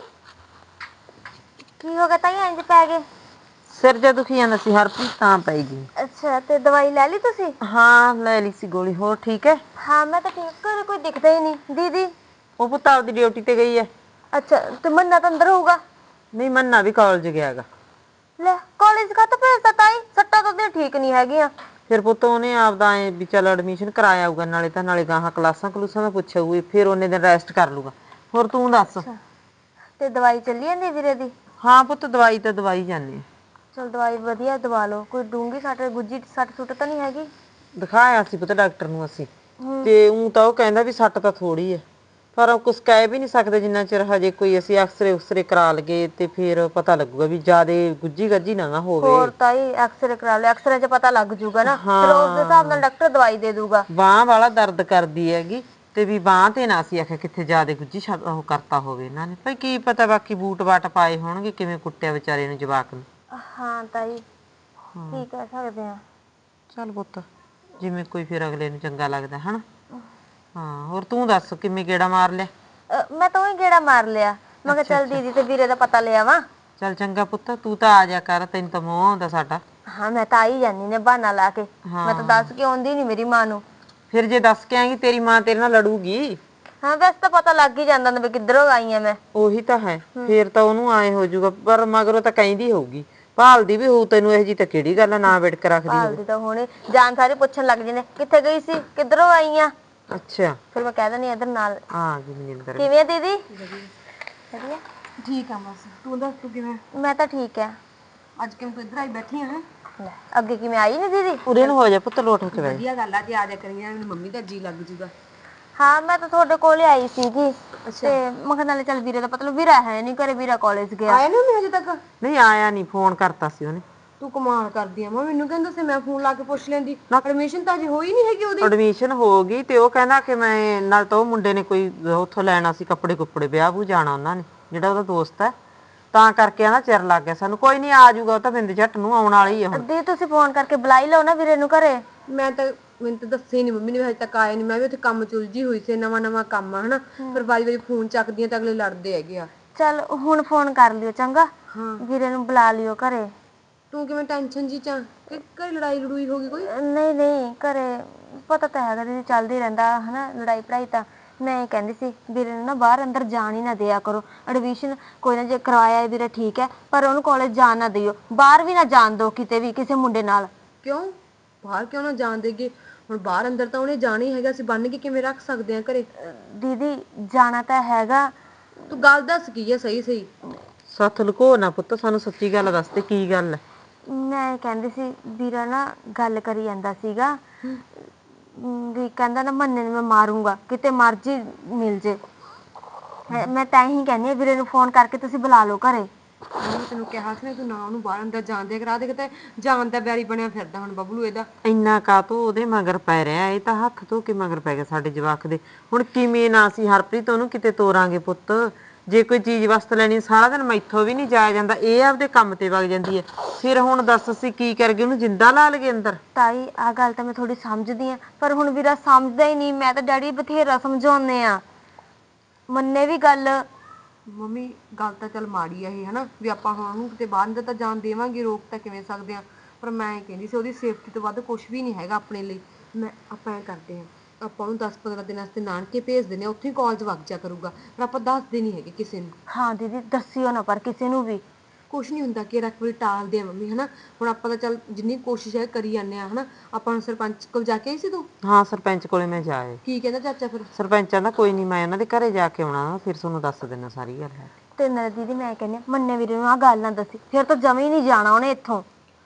S4: ਕੀ ਹੋ ਗਿਆ ਤਾਈ, ਇੰਜ ਪੈ ਗਏ?
S1: ਸਿਰ ਜੇ ਦੁਖੀ ਜਾਂਦਾ ਸੀ ਹਰਪ੍ਰੀਤ, ਤਾਂ ਪਈ ਗਈ।
S4: ਅੱਛਾ, ਤੇ ਦਵਾਈ ਲੈ ਲਈ ਤੁਸੀਂ?
S1: ਹਾਂ ਲੈ ਲਈ ਸੀ ਗੋਲੀ। ਹੋਰ ਠੀਕ ਹੈ?
S4: ਹਾਂ ਮੈਂ ਤਾਂ ਠੀਕ, ਘਰੇ ਕੋਈ ਦਿਖਦਾ ਹੀ ਨਹੀਂ। ਦੀਦੀ?
S1: ਉਹ ਪੁੱਤ ਆਪਦੀ ਡਿਊਟੀ ਤੇ ਗਈ ਹੈ।
S4: ਅੱਛਾ, ਤੇ ਮੰਨਾ ਤਾਂ ਅੰਦਰ ਹੋਊਗਾ?
S1: ਨਹੀਂ, ਮੰਨਾ ਵੀ ਕਾਲਜ ਗਿਆ ਹੈਗਾ।
S4: ਲੈ ਕਾਲਜ ਕਾ ਤਾਂ ਭੇਜਦਾ ਤਾਈ, ਸੱਟਾਂ ਤਾਂ ਉਹਦੀਆਂ ਠੀਕ ਨਹੀਂ ਹੈਗੀਆਂ।
S1: ਫਿਰ ਪੁੱਤ ਉਹਨੇ ਆਪਦਾ ਐ ਵੀ ਚੱਲ ਐਡਮਿਸ਼ਨ ਕਰਾਇਆ ਆਊਗਾ, ਨਾਲੇ ਗਾਹਾਂ ਕਲਾਸਾਂ ਦਾ ਪੁੱਛਿਆ ਹੋਊ, ਫਿਰ ਉਹਨੇ ਦਿਨ ਰੈਸਟ ਕਰ ਲੂਗਾ। ਹੋਰ ਤੂੰ ਦੱਸ?
S4: ਤੇ ਦਵਾਈ ਚੱਲੀ ਜਾਂਦੀ ਵੀਰੇ ਦੀ?
S1: ਹਾਂ ਪੁੱਤ, ਦਵਾਈ ਤਾਂ ਦਵਾਈ ਜਾਂਦੇ ਆ।
S4: ਚਲ ਦਵਾਈ ਵਧੀਆ ਦਵਾ ਲਓ, ਕੋਈ ਡੂੰਗੀ ਸੱਟ ਗੁੱਜੀ ਸੱਟ ਸੁੱਟ ਤਾਂ ਨਹੀਂ ਹੈਗੀ?
S1: ਦਿਖਾਇਆ ਸੀ ਪੁੱਤ ਡਾਕਟਰ ਨੂੰ ਅਸੀਂ, ਤੇ ਉਹ ਤਾਂ ਉਹ ਕਹਿੰਦਾ ਵੀ ਸੱਟ ਤਾਂ ਥੋੜੀ ਹੈ, ਪਰ ਕੁਛ ਕਹਿ ਵੀ ਨਹੀਂ ਸਕਦੇ ਜਿੰਨਾ ਚਿਰ ਹਜੇ ਕੋਈ ਅਸੀਂ ਐਕਸਰੇ ਕਰਾ ਲਈਏ, ਤੇ ਫਿਰ ਪਤਾ ਲੱਗੂਗਾ ਵੀ ਜਿਆਦੇ ਗੁੱਜੀ ਗੱਜੀ ਨਾ ਹੋਵੇ।
S4: ਹੋਰ ਤਾਈ ਐਕਸਰੇ ਕਰਾ ਲਿਆ, ਐਕਸਰੇ 'ਚ ਪਤਾ ਲੱਗ ਜੂਗਾ ਨਾ, ਫਿਰ ਉਸ ਦੇ ਹਿਸਾਬ ਨਾਲ ਡਾਕਟਰ ਦਵਾਈ ਦੇ ਦੂਗਾ।
S1: ਬਾਂਹ ਵਾਲਾ ਦਰਦ ਕਰਦੀ ਹੈਗੀ, ਤੇ ਵੀ ਬਾਂਹ ਤੇ ਨਾ ਅਸੀਂ ਆਖਿਆ ਕਿੱਥੇ ਜਿਆਦੇ ਗੁੱਜੀ ਉਹ ਕਰਤਾ ਹੋਵੇ ਇਹਨਾਂ ਨੇ, ਭਾਈ ਕੀ ਪਤਾ, ਬਾਕੀ ਬੂਟ ਬਾਟ ਪਾਏ ਹੋਣਗੇ, ਕਿਵੇਂ ਕੁੱਟਿਆ ਵਿਚਾਰੇ ਨੂੰ ਜਵਾਕ ਨੂੰ।
S4: ਹਾਂ ਤਾਈ ਕੀ ਕਹਿ ਸਕਦੇ ਆ।
S1: ਚੱਲ ਪੁੱਤ, ਜਿਵੇਂ ਕੋਈ ਫਿਰ ਅਗਲੇ ਨੂੰ ਚੰਗਾ ਲੱਗਦਾ ਹਨਾ। ਹਾਂ ਹੋਰ ਤੂੰ ਦੱਸ, ਕਿਵੇਂ ਗੇੜਾ ਮਾਰ ਲਿਆ?
S4: ਮੈਂ ਤਾਂ ਉਹੀ ਗੇੜਾ ਮਾਰ ਲਿਆ, ਮੈਂ ਕਿਹਾ ਚੱਲ ਦੀਦੀ ਤੇ ਵੀਰੇ ਦਾ ਪਤਾ ਲਿਆ ਵਾ।
S1: ਚੱਲ ਚੰਗਾ ਪੁੱਤ, ਤੂੰ ਤਾਂ ਆ ਜਾ ਕਰ, ਤੈਨੂੰ ਤਾਂ ਮੋਹ ਆਉਂਦਾ ਸਾਡਾ।
S4: ਹਾਂ ਮੈਂ ਤਾਂ ਆਈ ਜਾਂਦੀ ਨੇ ਬਹਾਨਾ ਲਾ ਕੇ, ਮੈਂ ਤਾਂ ਦੱਸ ਕੇ ਆਉਂਦੀ ਨਹੀਂ ਮੇਰੀ ਮਾਂ ਨੂੰ।
S1: ਫਿਰ ਜੇ ਦੱਸ ਕੇ ਆਏਂਗੀ ਤੇਰੀ ਮਾਂ ਤੇਰੇ ਨਾਲ ਲੜੂਗੀ।
S4: ਹਾਂ ਵੈਸੇ ਤਾਂ ਪਤਾ ਲੱਗ ਹੀ ਜਾਂਦਾ ਵੀ ਕਿੱਧਰੋਂ ਆਈ ਆ ਮੈਂ।
S1: ਉਹੀ ਤਾਂ ਹੈ, ਫਿਰ ਤਾਂ ਉਹਨੂੰ ਆਏ ਹੋ ਜਾਊਗਾ, ਪਰ ਮਗਰੋਂ ਤਾਂ ਕਹਿੰਦੀ ਹੋਊਗੀ, ਭਾਲਦੀ ਵੀ ਹੋਊ ਤੈਨੂੰ। ਇਹ ਜੀ ਤਾਂ ਕਿਹੜੀ ਗੱਲ ਆ, ਨਾ ਵਿੜਕ ਰੱਖਦੀ ਹੋਵੇ।
S4: ਭਾਲਦੀ ਤਾਂ ਹੁਣੇ ਜਾਨ ਸਾਰੇ ਪੁੱਛਣ ਲੱਗ ਜਾਂਦੇ ਕਿੱਥੇ ਗਈ ਸੀ, ਕਿੱਧਰੋਂ ਆਈ ਆ।
S1: ਅੱਛਾ,
S4: ਫਿਰ ਮੈਂ ਕਹਿ ਦਿੰਦੀ ਇਧਰ ਨਾਲ
S1: ਆ ਗਈ ਮਨਿੰਦਰ।
S4: ਕਿਵੇਂ ਆ ਦੀਦੀ? ਵਧੀਆ
S2: ਠੀਕ ਆ ਬਸ, ਤੂੰ ਦੱਸ ਤੂੰ ਕਿਵੇਂ?
S4: ਮੈਂ ਤਾਂ ਠੀਕ ਆ।
S2: ਅੱਜ ਕਿਵੇਂ ਤੂੰ ਇੱਧਰ ਆਈ ਬੈਠੀ ਆ?
S4: ਲੈ ਅੱਗੇ ਕਿਵੇਂ ਆਈ ਨਹੀਂ ਦੀਦੀ?
S1: ਉਰੇ ਨੂੰ ਹੋ ਜਾ ਪੁੱਤ, ਲੋਟ ਹੋ ਕੇ ਬੈ।
S2: ਵਧੀਆ ਗੱਲ ਆ, ਜੇ ਆ ਜਾ ਕਰੀਆਂ ਮੈਨੂੰ ਮੰਮੀ ਦਾ ਜੀ ਲੱਗ ਜੂਗਾ।
S4: ਹਾਂ ਮੈਂ ਤਾਂ ਤੁਹਾਡੇ ਕੋਲ ਹੀ ਆਈ ਸੀਗੀ, ਤੇ ਮੈਂ ਕਿਹਾ ਨਾਲੇ ਚੱਲ ਵੀਰੇ ਦਾ ਪਤਾ ਵੀਰਾ ਹੈ ਨਹੀਂ ਘਰੇ, ਵੀਰਾ ਕਾਲਜ ਗਿਆ।
S2: ਆਇਆ ਨਹੀਂ ਹਜੇ ਤੱਕ?
S1: ਨਹੀਂ ਆਇਆ ਨਹੀਂ, ਫੋਨ ਕਰਤਾ ਸੀ ਉਹਨੇ।
S2: ਤੂੰ ਕਮਾਲ ਕਰਦੀ ਆ, ਮੈਨੂੰ ਕਹਿੰਦਾ ਸੀ ਮੈਂ ਫੋਨ ਲਾ ਕੇ ਪੁੱਛ ਲੈਂਦੀ। ਐਡਮਿਸ਼ਨ ਤਾਂ ਅਜੇ ਹੋਈ ਨਹੀਂ ਹੈਗੀ ਉਹਦੀ।
S1: ਐਡਮਿਸ਼ਨ ਹੋ ਗਈ, ਤੇ ਉਹ ਕਹਿੰਦਾ ਕਿ ਮੈਂ ਨਾਲ ਤਾਂ ਉਹ ਮੁੰਡੇ ਨੇ ਕੋਈ ਉੱਥੋਂ ਲੈਣਾ ਸੀ ਕੱਪੜੇ ਵਿਆਹ ਵੂ ਜਾਣਾ ਉਹਨਾਂ ਨੇ, ਜਿਹੜਾ ਉਹਦਾ ਦੋਸਤ ਹੈ, ਤਾਂ ਕਰਕੇ ਆਣਾ ਚਿਰ ਲੱਗ ਗਿਆ ਸਾਨੂੰ। ਕੋਈ ਨਹੀਂ ਆ ਜਾਊਗਾ, ਉਹ ਤਾਂ ਬਿੰਦ ਝੱਟ ਨੂੰ ਆਉਣ ਵਾਲੀ ਹੈ ਹੁਣ।
S4: ਦੀ ਤੁਸੀਂ ਫੋਨ ਕਰਕੇ ਬੁਲਾਈ ਲਓ ਨਾ ਵੀਰੇ ਨੂੰ ਘਰੇ।
S2: ਮੈਨੂੰ ਤਾਂ ਦੱਸੇ ਨਹੀਂ ਮੰਮੀ ਨੇ, ਹਜੇ ਤੱਕ ਆਇਆ ਨਹੀਂ। ਮੈਂ ਵੀ ਉੱਥੇ ਕੰਮ ਚੁਲਝੀ ਹੋਈ ਸੀ, ਨਵਾਂ ਕੰਮ ਆ ਹਨਾ, ਫਿਰ ਵਾਰੀ ਫੋਨ ਚੱਕਦੀਆਂ ਤਾਂ ਅਗਲੇ ਲੜਦੇ ਹੈਗੇ ਆ।
S4: ਚੱਲ ਹੁਣ ਫੋਨ ਕਰ ਲਿਓ ਚੰਗਾ, ਵੀਰੇ ਨੂੰ ਬੁਲਾ ਲਿਓ ਘਰੇ।
S2: ਤੂੰ ਕਿਵੇਂ ਟੈਨਸ਼ਨ ਜੀ ਚ ਕਿ ਘਰੇ ਲੜਾਈ ਹੋ ਗਈ ਕੋਈ?
S4: ਨਹੀਂ ਘਰੇ ਪਤਾ ਤਾਂ ਹੈਗਾ ਦੀਦੀ, ਚੱਲਦੀ ਰਹਿੰਦਾ ਹਨਾ ਲੜਾਈ ਪੜਾਈ ਤਾਂ, ਮੈਂ ਇਹ ਕਹਿੰਦੀ ਸੀ ਵੀਰੇ ਨੂੰ ਨਾ ਬਾਹਰ ਅੰਦਰ ਜਾਣ ਹੀ ਨਾ ਦਿਆ ਕਰੋ। ਐਡਮਿਸ਼ਨ ਕੋਈ ਨਾ ਜੇ ਕਰਵਾਇਆ ਹੈ ਵੀਰੇ ਠੀਕ ਹੈ, ਪਰ ਉਹਨੂੰ ਕਾਲਜ ਜਾਣ ਨਾ ਦਿਓ, ਬਾਹਰ ਵੀ ਨਾ ਜਾਣ ਦਿਓ ਕਿਤੇ ਵੀ ਕਿਸੇ ਮੁੰਡੇ ਨਾਲ।
S2: ਕਿਉਂ ਬਾਹਰ ਕਿਉਂ ਨਾ ਜਾਣ ਦੇਗੇ? ਹੁਣ ਬਾਹਰ ਅੰਦਰ ਤਾਂ ਉਹਨੇ ਜਾਣਾ ਹੀ ਹੈਗਾ, ਅਸੀਂ ਬੰਨ ਕੇ ਕਿਵੇਂ ਰੱਖ ਸਕਦੇ ਆ ਘਰੇ?
S4: ਦੀਦੀ ਜਾਣਾ ਤਾਂ ਹੈਗਾ।
S2: ਤੂੰ ਗੱਲ ਦੱਸ ਕੀ ਹੈ ਸਹੀ ਸਹੀ।
S1: ਸੱਤ ਲੁਕੋ ਨਾ ਪੁੱਤ, ਸਾਨੂੰ ਸੱਚੀ ਗੱਲ ਦੱਸ ਤੇ ਕੀ ਗੱਲ ਹੈ।
S4: ਮੈਂ ਇਹ ਕਹਿੰਦੀ ਸੀ ਵੀਰਾ ਨਾ ਗੱਲ ਕਰੀ ਜਾਂਦਾ ਸੀਗਾ ਵੀ ਕਹਿੰਦਾ ਨਾ ਮੰਨੇ ਨੂੰ ਮੈਂ ਮਾਰੂੰਗਾ, ਕਿਤੇ ਮਰਜੀ ਮਿਲ ਜੇ। ਮੈਂ ਤਾਂ ਹੀ ਕਹਿੰਦੀ ਹਾਂ ਵੀਰੇ ਨੂੰ ਫੋਨ ਕਰਕੇ ਤੁਸੀਂ ਬੁਲਾ ਲਓ ਘਰੇ।
S2: ਮੈਂ ਤੈਨੂੰ ਕਿਹਾ ਸੀ ਨਾ ਤੂੰ ਨਾ ਉਹਨੂੰ ਬਾਹਰ ਅੰਦਰ ਜਾਣ ਦੇ ਕਰਾ ਦੇ, ਕਿਤੇ ਜਾਣ ਦਾ ਵੈਰੀ ਬਣਿਆ ਫਿਰਦਾ ਹੁਣ ਬਬਲੂ ਇਹਦਾ।
S1: ਇੰਨਾ ਕਾਤੋਂ ਉਹਦੇ ਮਗਰ ਪੈ ਰਿਹਾ, ਇਹ ਤਾਂ ਹੱਥ ਧੋ ਕੇ ਮਗਰ ਪੈ ਗਿਆ ਸਾਡੇ ਜਵਾਕ ਦੇ। ਹੁਣ ਕਿਵੇਂ ਨਾ ਅਸੀਂ ਹਰਪ੍ਰੀਤ ਉਹਨੂੰ ਕਿਤੇ ਤੋਰਾਂਗੇ ਪੁੱਤ? ਜੇ ਕੋਈ ਚੀਜ਼ ਵਸਤ ਲੈਣੀ ਸਾਰਾ ਦਿਨ ਮੈਥੋਂ ਵੀ ਨਹੀਂ ਜਾਇਆ ਜਾਂਦਾ, ਇਹ ਆਪਦੇ ਕੰਮ ਤੇ ਵਗ ਜਾਂਦੀ ਹੈ। ਫਿਰ ਹੁਣ ਦੱਸ ਅਸੀਂ ਕੀ ਕਰਗੇ, ਉਹਨੂੰ ਜਿੰਦਾ ਲਾ ਲਈਏ ਅੰਦਰ?
S4: ਤਾਈ ਆਹ ਗੱਲ ਤਾਂ ਮੈਂ ਥੋੜੀ ਸਮਝਦੀ ਆ, ਪਰ ਹੁਣ ਵੀਰਾ ਸਮਝਦਾ ਹੀ ਨਹੀਂ। ਮੈਂ ਤਾਂ ਡੈਡੀ ਬਥੇਰਾ ਸਮਝਾਉਂਦੇ ਆ, ਮੰਨੇ ਵੀ ਗੱਲ।
S2: ਮੰਮੀ ਗੱਲ ਤਾਂ ਚੱਲ ਮਾੜੀ ਆ ਇਹ ਹਨਾ, ਵੀ ਆਪਾਂ ਹੁਣ ਉਹਨੂੰ ਕਿਤੇ ਬਾਹਰ ਅੰਦਰ ਤਾਂ ਜਾਣ ਦੇਵਾਂਗੇ, ਰੋਕ ਤਾਂ ਕਿਵੇਂ ਸਕਦੇ ਆ। ਪਰ ਮੈਂ ਇਹ ਕਹਿੰਦੀ ਸੀ ਉਹਦੀ ਸੇਫਟੀ ਤੋਂ ਵੱਧ ਕੁਝ ਵੀ ਨਹੀਂ ਹੈਗਾ ਆਪਣੇ ਲਈ। ਆਪਾਂ ਐ ਕਰਦੇ ਆ, ਆਪਾਂ ਉਹਨੂੰ 10-15 ਦਿਨਾਂ ਵਾਸਤੇ ਨਾਨਕੇ ਭੇਜ ਦਿੰਦੇ ਆ, ਉੱਥੇ ਹੀ ਕਾਲਜ ਵਗ ਜਾ ਕਰੂਗਾ। ਪਰ ਆਪਾਂ ਦੱਸਦੇ ਨਹੀਂ ਹੈਗੇ ਕਿਸੇ ਨੂੰ।
S4: ਹਾਂ ਦੀਦੀ ਦੱਸਿਓ ਨਾ ਪਰ ਕਿਸੇ ਨੂੰ ਵੀ।
S2: ਕੁਛ ਨਹੀਂ ਹੁੰਦਾ ਕਿ ਰੱਖ ਵੀ ਟਾਲਦੇ ਆ ਮੰਮੀ ਹਨਾ। ਹੁਣ ਆਪਾਂ ਤਾਂ ਚੱਲ ਜਿੰਨੀ ਕੋਸ਼ਿਸ਼ ਹੈ ਕਰੀ ਜਾਂਦੇ ਆ ਹਨਾ। ਆਪਾਂ ਨੂੰ ਸਰਪੰਚ ਕੋਲ ਜਾ ਕੇ ਆਈ ਸੀ ਤੂੰ?
S1: ਹਾਂ ਸਰਪੰਚ ਕੋਲੇ ਮੈਂ ਜਾਏ।
S2: ਕੀ ਕਹਿੰਦਾ ਚਾਚਾ ਫਿਰ?
S1: ਸਰਪੰਚਾਂ ਦਾ ਕੋਈ ਨਹੀਂ, ਮੈਂ ਉਹਨਾਂ ਦੇ ਘਰੇ ਜਾ ਕੇ ਆਉਣਾ, ਫਿਰ ਤੁਹਾਨੂੰ ਦੱਸ ਦੇਣਾ ਸਾਰੀ ਗੱਲ ਹੈ।
S4: ਤੇ ਨਾਲ ਦੀਦੀ ਮੈਂ ਕਹਿੰਦੀ ਮੰਨੇ ਵੀਰੇ ਨੂੰ ਆਹ ਗੱਲ ਨਾ ਦੱਸੀ, ਫਿਰ ਤਾਂ ਜਮੇ ਹੀ ਨਹੀਂ ਜਾਣਾ ਉਹਨੇ ਇੱਥੋਂ।